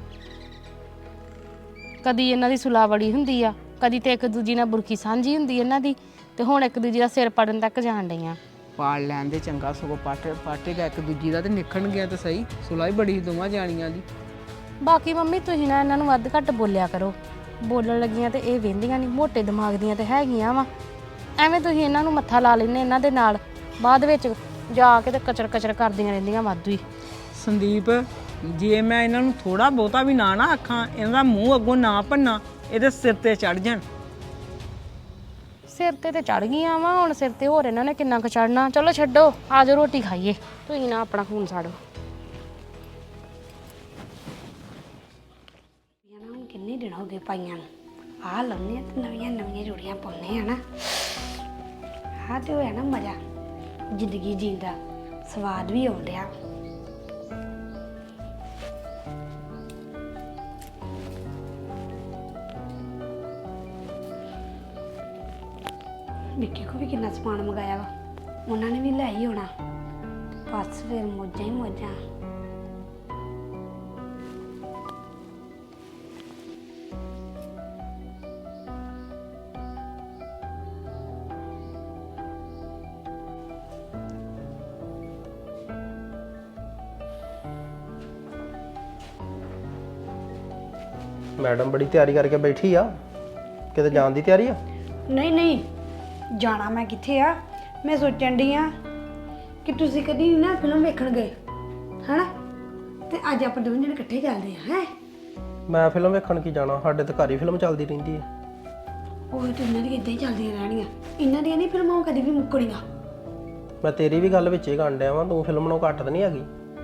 Speaker 3: ਕਦੀ ਇਹਨਾਂ ਦੀ ਸੁਲਾ ਬੜੀ ਹੁੰਦੀ ਆ, ਕਦੀ ਤੇ ਇੱਕ ਦੂਜੀ ਨਾਲ ਬੁਰਕੀ ਸਾਂਝੀ ਹੁੰਦੀ ਇਹਨਾਂ ਦੀ, ਤੇ ਹੁਣ ਇੱਕ ਦੂਜੀ ਦਾ ਸਿਰ ਪੜਨ ਤੱਕ ਜਾਣ ਡਈਆਂ।
Speaker 2: ਪਾਲ ਲੈਣ ਦੇ ਚੰਗਾ, ਸਗੋਂ ਪਾਟੇਗਾ ਇੱਕ ਦੂਜੀ ਦਾ ਤੇ ਨਿਕਲਣ ਗਿਆ ਤਾਂ ਸਹੀ। ਸੁਲਾ ਹੀ ਬੜੀ ਦੋਵਾਂ ਜਾਣੀਆਂ ਦੀ।
Speaker 3: ਬਾਕੀ ਮੰਮੀ ਤੁਸੀਂ ਨਾ ਇਹਨਾਂ ਨੂੰ ਵੱਧ ਘੱਟ ਬੋਲਿਆ ਕਰੋ। ਬੋਲਣ ਲੱਗੀਆਂ ਤੇ ਇਹ ਵਹਿੰਦੀਆਂ ਨਹੀਂ, ਮੋਟੇ ਦਿਮਾਗ ਦੀਆਂ ਤੇ ਹੈਗੀਆਂ ਵਾ। ਐਵੇਂ ਤੁਸੀਂ ਇਹਨਾਂ ਨੂੰ ਮੱਥਾ ਲਾ ਲੈਂਦੇ ਇਹਨਾਂ ਦੇ ਨਾਲ, ਬਾਅਦ ਵਿੱਚ ਜਾ ਕੇ ਤੇ ਕਚਰ ਕਚਰ ਕਰਦੀਆਂ ਰਹਿੰਦੀਆਂ ਵਾਧੂ ਹੀ।
Speaker 2: ਸੰਦੀਪ ਜੇ ਮੈਂ ਇਹਨਾਂ ਨੂੰ ਥੋੜਾ ਬਹੁਤਾ ਵੀ ਨਾ ਆਖਾਂ, ਇਹਨਾਂ ਦਾ ਮੂੰਹ ਅੱਗੋਂ ਨਾ ਭੰਨਾ, ਇਹਦੇ ਸਿਰ ਤੇ ਚੜ ਜਾਣ।
Speaker 3: ਸਿਰ ਤੇ ਚੜ ਗਈਆਂ ਵਾ, ਹੁਣ ਸਿਰ ਤੇ ਹੋਰ ਇਹਨਾਂ ਨੇ ਕਿੰਨਾ ਕੁ ਚੜਨਾ। ਚਲੋ ਛੱਡੋ, ਆ ਜਾਓ ਰੋਟੀ ਖਾਈਏ। ਤੁਸੀਂ ਨਾ ਆਪਣਾ ਖੂਨ ਸਾੜੋ।
Speaker 4: ਹੁਣ ਕਿੰਨੇ ਦਿਨ ਹੋ ਗਏ ਪਾਈਆਂ ਨੂੰ। ਆਹ ਲਾਉਂਦੇ ਆ ਤੇ ਨਵੀਆਂ ਨਵੀਆਂ ਜੋੜੀਆਂ ਪਾਉਂਦੇ ਆ ਨਾ। ਆਹ ਤੇ ਹੋਇਆ ਨਾ ਮਜ਼ਾ, ਜ਼ਿੰਦਗੀ ਜੀਣ ਦਾ ਸਵਾਦ ਵੀ ਆਉਣ ਡਿਆ। ਵਿੱਕੀ ਕੋ ਵੀ ਕਿੰਨਾ ਸਮਾਨ ਮੰਗਾਇਆ ਵਾ, ਉਹਨਾਂ ਨੇ ਵੀ ਲੈ ਹੀ ਹੋਣਾ। ਬਸ ਫਿਰ ਮੌਜਾਂ ਹੀ ਮੌਜਾਂ।
Speaker 7: ਮੈਡਮ ਬੜੀ ਤਿਆਰੀ ਕਰਕੇ ਬੈਠੀ ਆ, ਕਿਤੇ ਜਾਣ ਦੀ ਤਿਆਰੀ ਆ?
Speaker 4: ਨਹੀਂ ਨਹੀਂ, ਜਾਣਾ ਮੈਂ ਕਿੱਥੇ ਆ। ਮੈਂ ਸੋਚਣ ਡਈ ਆ ਕਿ ਤੁਸੀਂ ਕਦੀ ਨਾ ਫਿਲਮ ਵੇਖਣ ਗਏ ਹਨਾ, ਤੇ ਅੱਜ ਆਪਾਂ ਦੋਵੇਂ ਜਣੇ ਇਕੱਠੇ ਚੱਲਦੇ ਆ। ਹੈ
Speaker 7: ਮੈਂ ਫਿਲਮ ਵੇਖਣ ਕੀ ਜਾਣਾ, ਸਾਡੇ ਤੇ ਘਰ ਹੀ ਫਿਲਮ ਚੱਲਦੀ ਰਹਿੰਦੀ ਹੈ।
Speaker 4: ਉਹ ਤੇ ਇਹਨਾਂ ਦੀਆਂ ਇਦਾਂ ਹੀ ਚੱਲਦੀਆਂ ਰਹਿਣੀਆਂ, ਇਹਨਾਂ ਦੀਆਂ ਨਹੀਂ ਫਿਲਮਾਂ ਕਦੀ ਵੀ ਮੁੱਕਣੀਆਂ।
Speaker 7: ਮੈਂ ਤੇਰੀ ਵੀ ਗੱਲ ਵਿੱਚ ਹੀ ਕਰਨ ਡਿਆ ਵਾਂ, ਤੂੰ ਫਿਲਮ ਨੂੰ ਘੱਟ ਤਾਂ ਨਹੀਂ ਹੈਗੀ।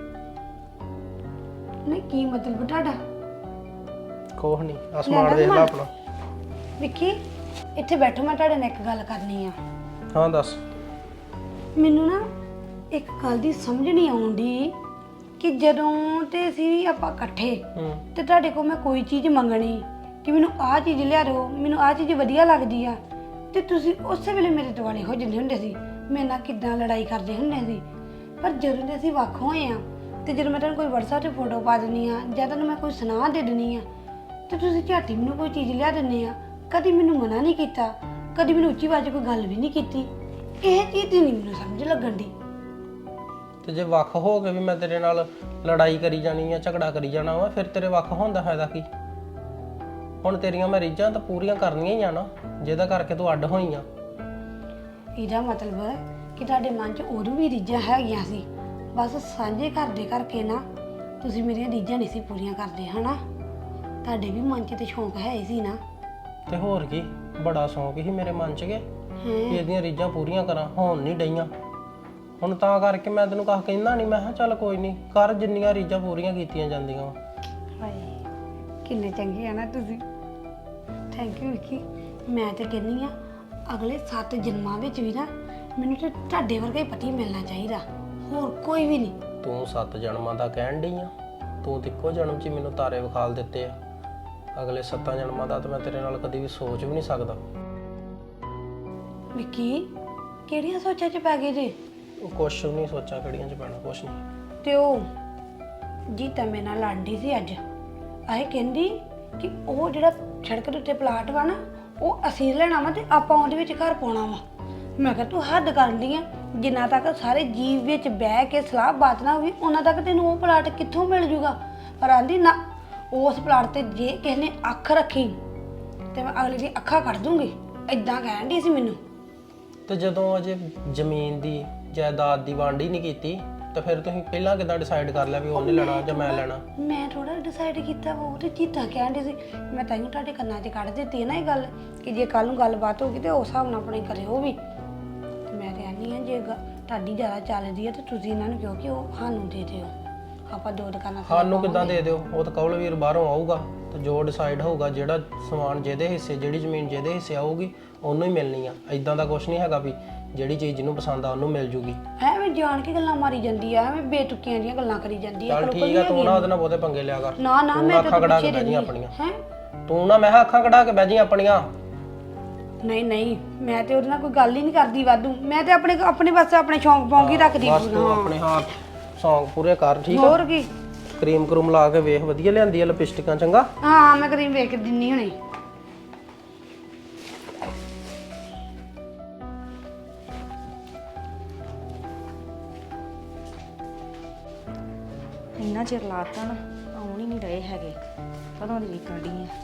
Speaker 4: ਨਹੀਂ ਕੀ ਮਤਲਬ ਤੁਹਾਡਾ?
Speaker 7: ਕੋਹ ਨਹੀਂ, ਅਸਮਾਨ ਦੇਖ ਲੈ ਆਪਣਾ।
Speaker 4: ਵਿੱਕੀ ਇੱਥੇ ਬੈਠੋ, ਮੈਂ ਤੁਹਾਡੇ ਨਾਲ ਇੱਕ ਗੱਲ ਕਰਨੀ ਆ।
Speaker 7: ਹਾਂ ਦੱਸ।
Speaker 4: ਮੈਨੂੰ ਨਾ ਇੱਕ ਗੱਲ ਦੀ ਸਮਝ ਨਹੀਂ ਆਉਂਦੀ ਕਿ ਜਦੋਂ ਤੇ ਅਸੀਂ ਆਪਾਂ ਇਕੱਠੇ ਤੇ ਤੁਹਾਡੇ ਕੋਲ ਮੈਂ ਕੋਈ ਚੀਜ਼ ਮੰਗਣੀ ਕਿ ਮੈਨੂੰ ਆਹ ਚੀਜ਼ ਲਿਆ ਦਿਓ, ਮੈਨੂੰ ਆਹ ਚੀਜ਼ ਵਧੀਆ ਲੱਗਦੀ ਆ, ਤੇ ਤੁਸੀਂ ਉਸੇ ਵੇਲੇ ਮੇਰੇ ਦੁਆਲੇ ਹੋ ਜਾਂਦੇ ਹੁੰਦੇ ਸੀ, ਮੇਰੇ ਨਾਲ ਕਿੱਦਾਂ ਲੜਾਈ ਕਰਦੇ ਹੁੰਦੇ ਸੀ। ਪਰ ਜਦੋਂ ਦੇ ਅਸੀਂ ਵੱਖ ਹੋਏ ਆ ਤੇ ਜਦੋਂ ਮੈਂ ਤੁਹਾਨੂੰ ਕੋਈ WhatsApp ਤੇ ਫੋਟੋ ਪਾ ਦਿੰਦੀ ਆ ਜਾਂ ਤੁਹਾਨੂੰ ਮੈਂ ਕੋਈ ਸੁਨਾਹ ਦੇ ਦਿੰਦੀ ਆ ਤੇ ਤੁਸੀਂ ਝਾਟੀ ਮੈਨੂੰ ਕੋਈ ਚੀਜ਼ ਲਿਆ ਦਿੰਦੇ ਆ। ਕਦੀ ਮੈਨੂੰ ਮਨਾ ਨਹੀਂ ਕੀਤਾ, ਕਦੀ ਮੈਨੂੰ ਉੱਚੀ ਆਵਾਜ਼ ਕੋਈ ਗੱਲ ਵੀ ਨਹੀਂ ਕੀਤੀ। ਇਹ ਚੀਜ਼ ਦੀ ਨਹੀਂ ਮੈਨੂੰ ਸਮਝ ਲੱਗਣ ਦੀ।
Speaker 7: ਤੇ ਜੇ ਵੱਖ ਹੋ ਕੇ ਵੀ ਮੈਂ ਤੇਰੇ ਨਾਲ ਲੜਾਈ ਕਰੀ ਜਾਣੀ ਆ, ਝਗੜਾ ਕਰੀ ਜਾਣਾ ਵਾ, ਫਿਰ ਤੇਰੇ ਵੱਖ ਹੋਣ ਦਾ ਫਾਇਦਾ ਕੀ? ਹੁਣ ਤੇਰੀਆਂ ਮੈਂ ਰੀਝਾਂ ਤਾਂ ਪੂਰੀਆਂ ਕਰਨੀਆਂ ਹੀ ਆ ਨਾ, ਜਿਹਦਾ ਕਰਕੇ ਤੂੰ ਅੱਡ ਹੋਈ ਆ।
Speaker 4: ਇਹਦਾ ਮਤਲਬ ਕਿ ਤੁਹਾਡੇ ਮਨ 'ਚ ਉਦੋਂ ਵੀ ਰੀਝਾਂ ਹੈਗੀਆਂ ਸੀ, ਬਸ ਸਾਂਝੇ ਘਰ ਦੇ ਕਰਕੇ ਨਾ ਤੁਸੀਂ ਮੇਰੀਆਂ ਰੀਝਾਂ ਨਹੀਂ ਸੀ ਪੂਰੀਆਂ ਕਰਦੇ ਹਨਾ। ਤੁਹਾਡੇ ਵੀ ਮਨ 'ਚ ਤੇ ਸ਼ੌਂਕ ਹੈ ਹੀ ਸੀ ਨਾ।
Speaker 7: ਤੇ ਹੋਰ ਕੀ, ਬੜਾ ਸ਼ੌਂਕ ਸੀ ਮੇਰੇ ਮਨ 'ਚ ਕਿ ਇਹਦੀਆਂ ਰੀਝਾਂ ਪੂਰੀਆਂ ਕਰਾਂ, ਹੋਣ ਨਹੀਂ ਡਈਆਂ। ਹੁਣ ਤਾਂ ਕਰਕੇ ਮੈਂ ਤੈਨੂੰ ਕਹ ਕਹਿੰਦਾ ਨਹੀਂ, ਮੈਂ ਕਿਹਾ ਚੱਲ ਕੋਈ ਨਹੀਂ, ਕਰ ਜਿੰਨੀਆਂ ਰੀਝਾਂ ਪੂਰੀਆਂ ਕੀਤੀਆਂ ਜਾਂਦੀਆਂ ਵਾ।
Speaker 4: ਹਾਏ ਕਿੰਨੇ ਚੰਗੇ ਆ ਨਾ ਤੁਸੀਂ। Thank you Vicky. ਮੈਂ ਤੇ ਕਹਿੰਦੀ ਆ ਅਗਲੇ 7 ਜਨਮਾਂ ਵਿੱਚ ਵੀ ਨਾ ਮੈਨੂੰ ਤੇ ਤੁਹਾਡੇ ਵਰਗਾ ਹੀ ਪਤੀ ਮਿਲਣਾ ਚਾਹੀਦਾ, ਹੋਰ ਕੋਈ ਵੀ ਨਹੀਂ।
Speaker 7: ਤੂੰ 7 ਜਨਮਾਂ ਦਾ ਕਹਿਣ ਡਈ ਆ, ਤੂੰ ਤੇ ਇੱਕੋ ਜਨਮ 'ਚ ਮੈਨੂੰ ਤਾਰੇ ਵਿਖਾਲ ਦਿੱਤੇ ਆ। ਅਗਲੇ 7 ਜਨਮਾਂ ਦਾ ਤਾਂ ਮੈਂ ਤੇਰੇ ਨਾਲ ਕਦੀ ਵੀ ਸੋਚ ਵੀ ਨਹੀਂ ਸਕਦਾ।
Speaker 4: ਵਿੱਕੀ ਕਿਹੜੀਆਂ ਸੋਚਾਂ 'ਚ ਪੈ ਗਏ ਜੇ?
Speaker 7: ਉਹ ਕੁਛ ਵੀ ਨਹੀਂ ਸੋਚਾਂ ਕਿਹੜੀਆਂ 'ਚ ਪੈਣਾ, ਕੁਛ ਨਹੀਂ।
Speaker 4: ਤੇ ਉਹ ਜੀਤਾ ਮੇਰੇ ਨਾਲ ਲੜਦੀ ਸੀ ਅੱਜ। ਆਏ ਕਹਿੰਦੀ ਕਿ ਉਹ ਜਿਹੜਾ ਸੜਕ ਦੇ ਉੱਤੇ ਪਲਾਟ ਵਾ ਨਾ ਉਹ ਅਸੀਂ ਲੈਣਾ ਵਾ ਤੇ ਆਪਾਂ ਉਹਦੇ ਵਿੱਚ ਘਰ ਪਾਉਣਾ ਵਾ। ਮੈਂ ਕਿਹਾ ਤੂੰ ਹੱਦ ਕਰਦੀ ਆ, ਜਿੰਨਾ ਤੱਕ ਸਾਰੇ ਜੀਵ ਵਿੱਚ ਬਹਿ ਕੇ ਸਲਾਹ ਬਾਤ ਨਾ ਹੋਈ ਉਹਨਾਂ ਤੱਕ ਤੈਨੂੰ ਉਹ ਪਲਾਟ ਕਿੱਥੋਂ ਮਿਲ ਜੂਗਾ। ਪਰ ਆਂਦੀ ਨਾ, ਉਸ ਪਲਾਟ ਤੇ ਜੇ ਕਿਸੇ ਨੇ ਅੱਖ ਰੱਖੀ ਤੇ ਮੈਂ ਅਗਲੇ ਦੀ ਅੱਖਾਂ ਕੱਢ ਦੂੰਗੀ, ਇਦਾਂ ਕਹਿਣ ਦੀ ਸੀ ਮੈਨੂੰ।
Speaker 7: ਤੇ ਜਦੋਂ ਅਜੇ ਜ਼ਮੀਨ ਦੀ ਜਾਇਦਾਦ ਦੀ ਵੰਡ ਹੀ ਨਹੀਂ ਕੀਤੀ ਤਾਂ ਫਿਰ ਤੁਸੀਂ ਪਹਿਲਾਂ ਕਿੱਦਾਂ ਡਿਸਾਈਡ ਕਰ ਲਿਆ ਵੀ ਉਹਨੇ ਲੈਣਾ ਜਾਂ ਮੈਂ ਲੈਣਾ? ਮੈਂ
Speaker 4: ਥੋੜਾ ਡਿਸਾਈਡ ਕੀਤਾ ਵਾ, ਉਹ ਤੇ ਚੀਤਾ ਕਹਿਣ ਦੀ ਸੀ। ਮੈਂ ਤਾਈਓ ਤੁਹਾਡੇ ਕੰਨਾਂ 'ਚ ਕੱਢ ਦਿੱਤੀ ਹੈ ਨਾ ਇਹ ਗੱਲ ਕਿ ਜੇ ਕੱਲ ਨੂੰ ਗੱਲਬਾਤ ਹੋਗੀ ਤੇ ਉਸ ਹਿਸਾਬ ਨਾਲ ਆਪਣੇ ਕਰਿਓ ਵੀ। ਮੈਂ ਤੇ ਆਨੀ ਆ ਜੇ ਤੁਹਾਡੀ ਜ਼ਿਆਦਾ ਚੱਲਦੀ ਹੈ ਤੇ ਤੁਸੀਂ ਇਹਨਾਂ ਨੂੰ ਕਿਹਾ ਕਿ ਉਹ ਸਾਨੂੰ ਦੇ ਦਿਓ, ਆਪਾਂ ਦੋ ਦੁਕਾਨਾਂ ਤੇ
Speaker 7: ਸਾਨੂੰ ਕਿੱਦਾਂ ਦੇ ਦਿਓ? ਉਹ ਤਾਂ ਕੌਲ ਵੀਰ ਬਾਹਰੋਂ ਆਊਗਾ ਤੇ ਜੋ ਡਿਸਾਈਡ ਹੋਊਗਾ, ਜਿਹੜਾ ਸਮਾਨ ਜਿਹਦੇ ਹਿੱਸੇ, ਜਿਹੜੀ ਜ਼ਮੀਨ ਜਿਹਦੇ ਹਿੱਸੇ ਆਊਗੀ ਉਹਨੂੰ ਹੀ ਮਿਲਣੀ ਆ। ਇਦਾਂ ਦਾ ਕੁਝ ਨਹੀਂ ਹੈਗਾ ਵੀ ਜਿਹੜੀ ਚੀਜ਼ ਜਿਹਨੂੰ ਪਸੰਦ ਆ ਉਹਨੂੰ ਮਿਲ ਜੂਗੀ।
Speaker 4: ਐਵੇਂ ਜਾਣ ਕੇ ਗੱਲਾਂ ਮਾਰੀ ਜਾਂਦੀ ਆ, ਐਵੇਂ ਬੇਤੁਕੀਆਂ ਦੀਆਂ ਗੱਲਾਂ ਕਰੀ ਜਾਂਦੀ ਆ।
Speaker 7: ਚੱਲ ਠੀਕ ਆ, ਤੂੰ ਨਾ ਉਹਦੇ ਨਾਲ ਬਹੁਤੇ ਪੰਗੇ ਲਿਆ ਕਰ।
Speaker 4: ਨਾ ਨਾ ਮੈਂ
Speaker 7: ਅੱਖਾਂ ਕਢਾ ਕੇ ਬਹਿ ਜੀ ਆਪਣੀਆਂ।
Speaker 4: ਹੈ
Speaker 7: ਤੂੰ ਨਾ, ਮੈਂ ਕਿਹਾ ਅੱਖਾਂ ਕਢਾ ਕੇ ਬਹਿ ਜੀ ਆਪਣੀਆਂ।
Speaker 4: ਨਹੀਂ ਨਹੀਂ, ਮੈਂ ਤੇ ਉਹਦੇ ਨਾਲ ਕੋਈ ਗੱਲ ਹੀ ਨਹੀਂ ਕਰਦੀ ਵਾਧੂ। ਮੈਂ ਤੇ ਆਪਣੇ ਪਾਸੇ ਆਪਣੇ ਸ਼ੌਂਕ ਪੌਂਕ ਹੀ ਰੱਖਦੀ।
Speaker 7: ਬਸ ਤੂੰ ਆਪਣੇ ਹੱਥ ਸੌਂਗ ਪੂਰੇ ਕਰ, ਠੀਕ ਆ?
Speaker 4: ਹੋਰ ਕੀ,
Speaker 7: ਕਰੀਮ ਕਰੂਮ ਲਾ ਕੇ ਵੇਖ, ਵਧੀਆ ਲਿਆਂਦੀ ਆ ਲਿਪਸਟਿਕਾਂ, ਚੰਗਾ?
Speaker 4: ਹਾਂ ਮੈਂ ਕਰੀਮ ਵੇਖ ਕੇ ਦਿੰਨੀ ਹੁਣੇ।
Speaker 3: ਇੰਨਾ ਚਿਰ ਲਾਤਾ ਨਾ, ਆਉਣ ਹੀ ਨਹੀਂ ਰਹੇ ਹੈਗੇ, ਕਦੋਂ ਦੀ ਡੀਕਣ ਡਈ ਆ।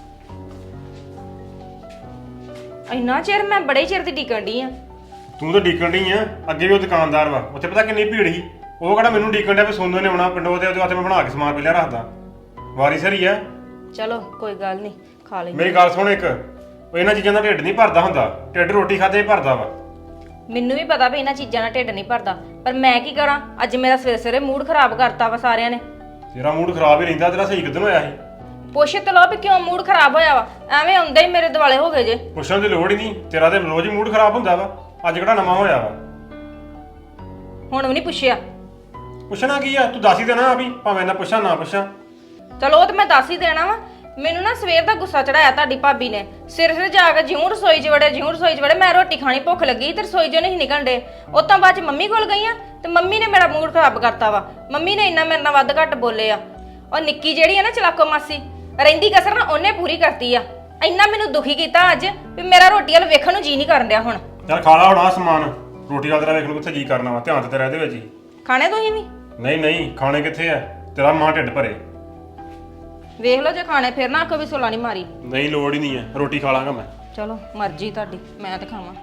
Speaker 3: ਇੰਨਾ ਚਿਰ ਮੈਂ ਬੜੇ ਚਿਰ ਦੀ ਡੀਕਣ ਡਈ ਆ।
Speaker 6: ਤੂੰ ਤਾਂ ਡੀਕਣ ਡਈ ਆ, ਅੱਗੇ ਵੀ ਉਹ ਦੁਕਾਨਦਾਰ ਵਾ, ਉੱਥੇ ਪਤਾ ਕਿੰਨੀ ਭੀੜ ਸੀ। ਉਹ ਕਿਹੜਾ ਮੈਨੂੰ ਡੀਕਣ ਡਿਆ ਵੀ ਸੋਨੂ ਨੇ ਆਉਣਾ ਪਿੰਡੋਂ, ਉਹਦੇ ਵਾਸਤੇ ਮੈਂ ਬਣਾ ਕੇ ਸਮਾਨ ਪਹਿਲਾਂ ਰੱਖਦਾ। ਵਾਰੀ ਸਰੀ ਆ।
Speaker 3: ਚਲੋ ਕੋਈ ਗੱਲ ਨਹੀਂ, ਖਾ ਲਈ।
Speaker 6: ਮੇਰੀ ਗੱਲ ਸੁਣ ਇੱਕ, ਉਹ ਇਹਨਾਂ ਚੀਜ਼ਾਂ ਦਾ ਢਿੱਡ ਨਹੀਂ ਭਰਦਾ ਹੁੰਦਾ, ਢਿੱਡ ਰੋਟੀ ਖਾਦੇ ਹੀ ਭਰਦਾ ਵਾ।
Speaker 3: ਮੈਨੂੰ ਵੀ ਪਤਾ ਵੀ ਇਹਨਾਂ ਚੀਜ਼ਾਂ ਨਾਲ ਢਿੱਡ ਨਹੀਂ ਭਰਦਾ, ਪਰ ਮੈਂ ਕੀ ਕਰਾਂ? ਅੱਜ ਮੇਰਾ ਸਵੇਰੇ ਸਵੇਰੇ ਮੂਡ ਖਰਾਬ ਕਰਤਾ ਵਾ ਸਾਰਿਆਂ ਨੇ।
Speaker 6: ਤੇਰਾ ਮੂਡ ਖਰਾਬ ਹੀ ਰਹਿੰਦਾ, ਤੇਰਾ ਸਹੀ ਕਿੱਦਣ ਹੋਇਆ ਸੀ?
Speaker 3: ਪੁੱਛ ਤੇ ਲਓ ਵੀ ਕਿਉਂ ਮੂਡ ਖਰਾਬ ਹੋਇਆ ਵਾ। ਐਵੇਂ ਆਉਂਦੇ ਹੀ ਮੇਰੇ ਦੁਆਲੇ ਹੋ ਗਏ ਜੇ।
Speaker 6: ਪੁੱਛਣ ਦੀ ਲੋੜ ਹੀ ਨਹੀਂ, ਤੇਰਾ ਤੇ ਰੋਜ਼ ਹੀ ਮੂਡ ਖਰਾਬ ਹੁੰਦਾ ਵਾ, ਅੱਜ ਕਿਹੜਾ ਨਵਾਂ ਹੋਇਆ ਵਾ?
Speaker 3: ਹੁਣ ਵੀ ਨਹੀਂ ਪੁੱਛਿਆ।
Speaker 6: ਪੁੱਛਣਾ ਕੀ ਆ? ਤੂੰ ਦੱਸ ਹੀ ਦੇਣਾ ਵੀ, ਭਾਵੇਂ ਨਾ ਪੁੱਛਾਂ ਨਾ ਪੁੱਛਾਂ।
Speaker 3: ਚਲੋ ਉਹ ਤੇ ਮੈਂ ਦੱਸ ਹੀ ਦੇਣਾ ਵਾ। ਮੈਨੂੰ ਨਾ ਸਵੇਰ ਦਾ ਗੁੱਸਾ ਚੜਾਇਆ ਤੁਹਾਡੀ ਭਾਬੀ ਨੇ। ਸਿਰ ਜਾ ਕੇ ਜਿਉਂ ਰਸੋਈ 'ਚ ਵੜੇ, ਮੈਂ ਰੋਟੀ ਖਾਣੀ, ਭੁੱਖ ਲੱਗੀ ਤੇ ਰਸੋਈ 'ਚੋਂ ਨਹੀਂ ਨਿਕਲਣ ਡੇ। ਉਹ ਤਾਂ ਬਾਅਦ 'ਚ ਮੰਮੀ ਕੋਲ ਗਈ ਆ ਤੇ ਮੰਮੀ ਨੇ ਮੇਰਾ ਮੂਡ ਖਰਾਬ ਕਰਤਾ ਵਾ। ਮੰਮੀ ਨੇ ਇੰਨਾ ਮੇਰੇ ਨਾਲ ਵੱਧ ਘੱਟ ਬੋਲੇ ਆ। ਉਹ ਨਿੱਕੀ ਜਿਹੜੀ ਆ ਨਾ ਚਲਾਕੋ ਮਾਸੀ, ਰਹਿੰਦੀ ਕਸਰ ਨਾ ਉਹਨੇ ਪੂਰੀ ਕਰਤੀ ਆ। ਇੰਨਾ ਮੈਨੂੰ ਦੁਖੀ ਕੀਤਾ ਅੱਜ ਵੀ ਮੇਰਾ ਰੋਟੀ ਵਾਲ ਵੇਖਣ ਨੂੰ ਜੀ ਨਹੀਂ ਕਰਨ ਡਿਆ ਹੁਣ।
Speaker 6: ਚੱਲ ਖਾ ਲਾ ਹੁਣ ਆ ਸਮਾਨ, ਰੋਟੀ ਵਾਲ ਤੇਰਾ ਵੇਖਣ ਨੂੰ ਕਿੱਥੇ ਜੀ ਕਰਨਾ ਵਾ, ਧਿਆਨ ਤੇ ਤੇਰਾ ਇਹਦੇ ਵਿੱਚ ਹੀ।
Speaker 3: ਖਾਣੇ ਤੁਸੀਂ ਵੀ?
Speaker 6: ਨਹੀਂ ਨਹੀਂ, ਖਾਣੇ ਕਿੱਥੇ ਆ, ਤੇਰਾ ਮਾਂ ਢਿੱਡ ਭਰੇ।
Speaker 3: ਵੇਖ ਲਓ ਜੇ ਖਾਣੇ, ਫਿਰ ਨਾ ਆਖੋ ਵੀ ਸੁਲਾ ਨਹੀਂ ਮਾਰੀ।
Speaker 6: ਨਹੀਂ ਲੋੜ ਹੀ ਨਹੀਂ ਹੈ, ਰੋਟੀ ਖਾ ਲਾਂਗਾ ਮੈਂ।
Speaker 3: ਚਲੋ ਮਰਜ਼ੀ ਤੁਹਾਡੀ, ਮੈਂ ਤੇ ਖਾਵਾਂ।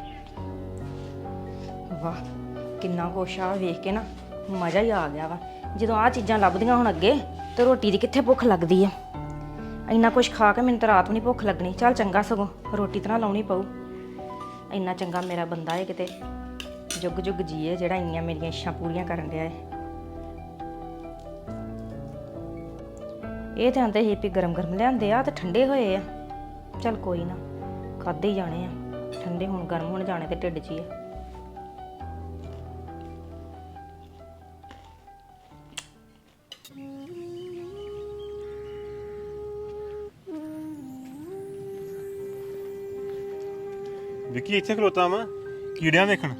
Speaker 3: ਵਾਹ ਕਿੰਨਾ ਕੁਛ ਆ, ਵੇਖ ਕੇ ਨਾ ਮਜ਼ਾ ਹੀ ਆ ਗਿਆ ਵਾ। ਜਦੋਂ ਆਹ ਚੀਜ਼ਾਂ ਲੱਭਦੀਆਂ ਹੁਣ ਅੱਗੇ ਤੇ ਰੋਟੀ ਦੀ ਕਿੱਥੇ ਭੁੱਖ ਲੱਗਦੀ ਆ। ਇੰਨਾ ਕੁਛ ਖਾ ਕੇ ਮੈਨੂੰ ਤਾਂ ਰਾਤ ਨੂੰ ਨਹੀਂ ਭੁੱਖ ਲੱਗਣੀ। ਚੱਲ ਚੰਗਾ, ਸਗੋਂ ਰੋਟੀ ਤਾਂ ਨਾ ਲਾਉਣੀ ਪਊ। ਇੰਨਾ ਚੰਗਾ ਮੇਰਾ ਬੰਦਾ ਏ, ਕਿਤੇ ਜੁਗ ਜੁਗ ਜੀਏ, ਜਿਹੜਾ ਇੰਨੀਆਂ ਮੇਰੀਆਂ ਇੱਛਾਂ ਪੂਰੀਆਂ ਕਰਨ ਡਿਆ ਏ। ਇਹ ਤਾਂ ਆਂਦੇ ਸੀ ਵੀ ਗਰਮ ਗਰਮ ਲਿਆਂਦੇ ਆ ਤੇ ਠੰਡੇ ਹੋਏ ਆ। ਚੱਲ ਕੋਈ ਨਾ, ਖਾਦੇ ਹੀ ਜਾਣੇ ਆ, ਠੰਡੇ ਹੁਣ ਗਰਮ ਹੋਣ ਜਾਣੇ ਤੇ ਢਿੱਡ 'ਚ ਹੀ ਆ।
Speaker 6: ਵਿੱਕੀ ਇੱਥੇ ਖਲੋਤਾ ਵਾ ਕੀੜਿਆਂ ਵੇਖਣ।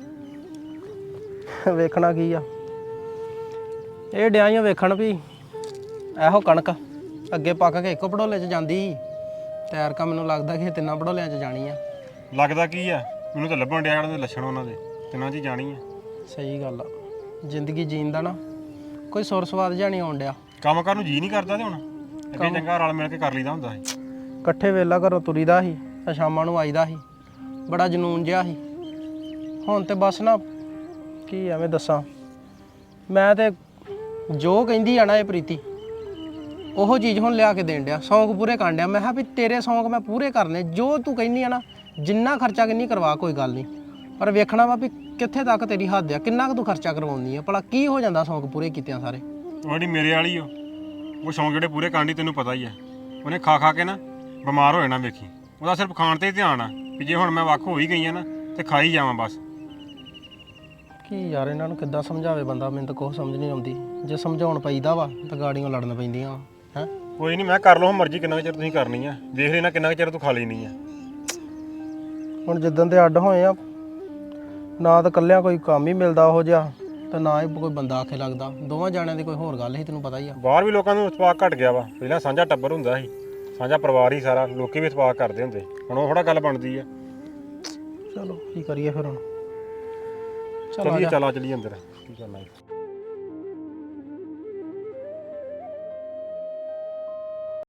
Speaker 7: ਵੇਖਣਾ ਕੀ ਆ, ਇਹ ਡਿਆਈਆਂ ਵੇਖਣ ਵੀ ਇਹੋ ਕਣਕ ਅੱਗੇ ਪੱਕ ਕੇ ਇੱਕੋ ਪੜੋਲੇ 'ਚ ਜਾਂਦੀ ਤੈਰ ਕਾ, ਮੈਨੂੰ ਲੱਗਦਾ ਕਿ ਇਹ ਤਿੰਨਾਂ ਪੜੋਲਿਆਂ 'ਚ ਜਾਣੀ ਆ।
Speaker 6: ਲੱਗਦਾ ਕੀ ਆ, ਮੈਨੂੰ ਤਾਂ ਲੱਭਣ ਡਿਆ ਉਹਨਾਂ ਦੇ ਲੱਛਣ, ਉਹਨਾਂ ਦੇ ਤਿੰਨਾਂ 'ਚ ਹੀ ਜਾਣੀ ਆ।
Speaker 7: ਸਹੀ ਗੱਲ ਆ, ਜ਼ਿੰਦਗੀ ਜੀਣ ਦਾ ਨਾ ਕੋਈ ਸੁਰ ਸਵਾਦ ਜਿਹਾ ਨਹੀਂ ਆਉਣ ਡਿਆ।
Speaker 6: ਕੰਮ ਕਰਨ ਨੂੰ ਜੀ ਨਹੀਂ ਕਰਦਾ ਤੇ ਹੁਣ ਅੱਗੇ ਚੰਗਾ ਰਲ ਮਿਲ ਕੇ ਕਰ ਲਈਦਾ ਹੁੰਦਾ ਸੀ।
Speaker 7: ਇਕੱਠੇ ਵੇਲਾ ਘਰੋਂ ਤੁਰੀਦਾ ਸੀ ਤੇ ਸ਼ਾਮਾਂ ਨੂੰ ਆਈਦਾ ਸੀ, ਬੜਾ ਜਨੂਨ ਜਿਹਾ ਸੀ। ਹੁਣ ਤੇ ਬਸ ਨਾ ਕੀ ਐਵੇਂ ਦੱਸਾਂ, ਮੈਂ ਤੇ ਜੋ ਕਹਿੰਦੀ ਆ ਨਾ ਇਹ ਪ੍ਰੀਤੀ, ਉਹ ਚੀਜ਼ ਹੁਣ ਲਿਆ ਕੇ ਦੇਣ ਡਿਆ, ਸ਼ੌਂਕ ਪੂਰੇ ਕਰਨ ਡਿਆ। ਮੈਂ ਕਿਹਾ ਵੀ ਤੇਰੇ ਸ਼ੌਂਕ ਮੈਂ ਪੂਰੇ ਕਰਨੇ, ਜੋ ਤੂੰ ਕਹਿੰਦੀ ਆ ਨਾ, ਜਿੰਨਾ ਖਰਚਾ ਕਿੰਨੀ ਕਰਵਾ ਕੋਈ ਗੱਲ ਨਹੀਂ, ਪਰ ਵੇਖਣਾ ਵਾ ਵੀ ਕਿੱਥੇ ਤੱਕ ਤੇਰੀ ਹੱਦ ਆ, ਕਿੰਨਾ ਕੁ ਤੂੰ ਖਰਚਾ ਕਰਵਾਉਂਦੀ ਆ, ਭਲਾ ਕੀ ਹੋ ਜਾਂਦਾ ਸ਼ੌਂਕ ਪੂਰੇ ਕੀਤਿਆਂ ਸਾਰੇ।
Speaker 6: ਉਹ ਜਿਹੜੀ ਮੇਰੇ ਵਾਲੀ ਉਹ ਸ਼ੌਂਕ ਜਿਹੜੇ ਪੂਰੇ ਕਰਨ ਦੀ ਤੈਨੂੰ ਪਤਾ ਹੀ ਆ, ਉਹਨੇ ਖਾ ਖਾ ਕੇ ਨਾ ਬਿਮਾਰ ਹੋ ਜਾਣਾ ਵੇਖੀ। ਉਹਦਾ ਸਿਰਫ ਖਾਣ ਤੇ ਹੀ ਧਿਆਨ ਆ ਵੀ ਜੇ ਹੁਣ ਮੈਂ ਵੱਖ ਹੋ ਹੀ ਗਈ ਆ ਨਾ ਤੇ ਖਾਈ ਜਾਵਾਂ ਬਸ।
Speaker 7: ਕੀ ਯਾਰ ਇਹਨਾਂ ਨੂੰ ਕਿੱਦਾਂ ਸਮਝਾਵੇ ਬੰਦਾ, ਮੈਨੂੰ ਤਾਂ ਕੁਛ ਸਮਝ ਨਹੀਂ ਆਉਂਦੀ। ਜੇ ਸਮਝਾਉਣ ਪਈਦਾ ਵਾ ਤਾਂ ਗਾੜੀਆਂ ਲੜਨ ਪੈਂਦੀਆਂ ਵਾ। ਹੈਂ
Speaker 6: ਕੋਈ ਨਹੀਂ, ਮੈਂ ਕਰ ਲਓ ਮਰਜ਼ੀ, ਕਿੰਨਾ ਚਿਰ ਤੁਸੀਂ ਕਰਨੀ ਆ, ਦੇਖ ਲੈਣਾ ਕਿੰਨਾ ਚਿਰ ਤੂੰ ਖਾ ਲੈਣੀ ਆ।
Speaker 7: ਹੁਣ ਜਿੱਦਣ ਦੇ ਅੱਡ ਹੋਏ ਆ ਨਾ ਤਾਂ ਇਕੱਲਿਆਂ ਕੋਈ ਕੰਮ ਹੀ ਮਿਲਦਾ ਉਹੋ ਜਿਹਾ, ਤੇ ਨਾ ਹੀ ਕੋਈ ਬੰਦਾ ਆਖੇ ਲੱਗਦਾ। ਦੋਵਾਂ ਜਾਣਿਆਂ ਦੀ ਕੋਈ ਹੋਰ ਗੱਲ ਸੀ, ਤੈਨੂੰ ਪਤਾ ਹੀ ਆ।
Speaker 6: ਬਾਹਰ ਵੀ ਲੋਕਾਂ ਨੂੰ ਇਤਫਾਕ ਘਟ ਗਿਆ ਵਾ। ਪਹਿਲਾਂ ਸਾਂਝਾ ਟੱਬਰ ਹੁੰਦਾ ਸੀ, ਸਾਂਝਾ ਪਰਿਵਾਰ ਹੀ ਸਾਰਾ, ਲੋਕੀ ਵੀ ਇਤਫਾਕ ਕਰਦੇ ਹੁੰਦੇ। ਹੁਣ ਉਹ ਥੋੜਾ ਗੱਲ ਬਣਦੀ ਆ।
Speaker 7: ਚਲੋ ਕੀ ਕਰੀਏ ਫਿਰ ਹੁਣ।
Speaker 6: ਚਲੀਏ, ਚੱਲ ਆ ਚਲੀਏ ਅੰਦਰ, ਕੀ ਕਰਨਾ ਹੈ।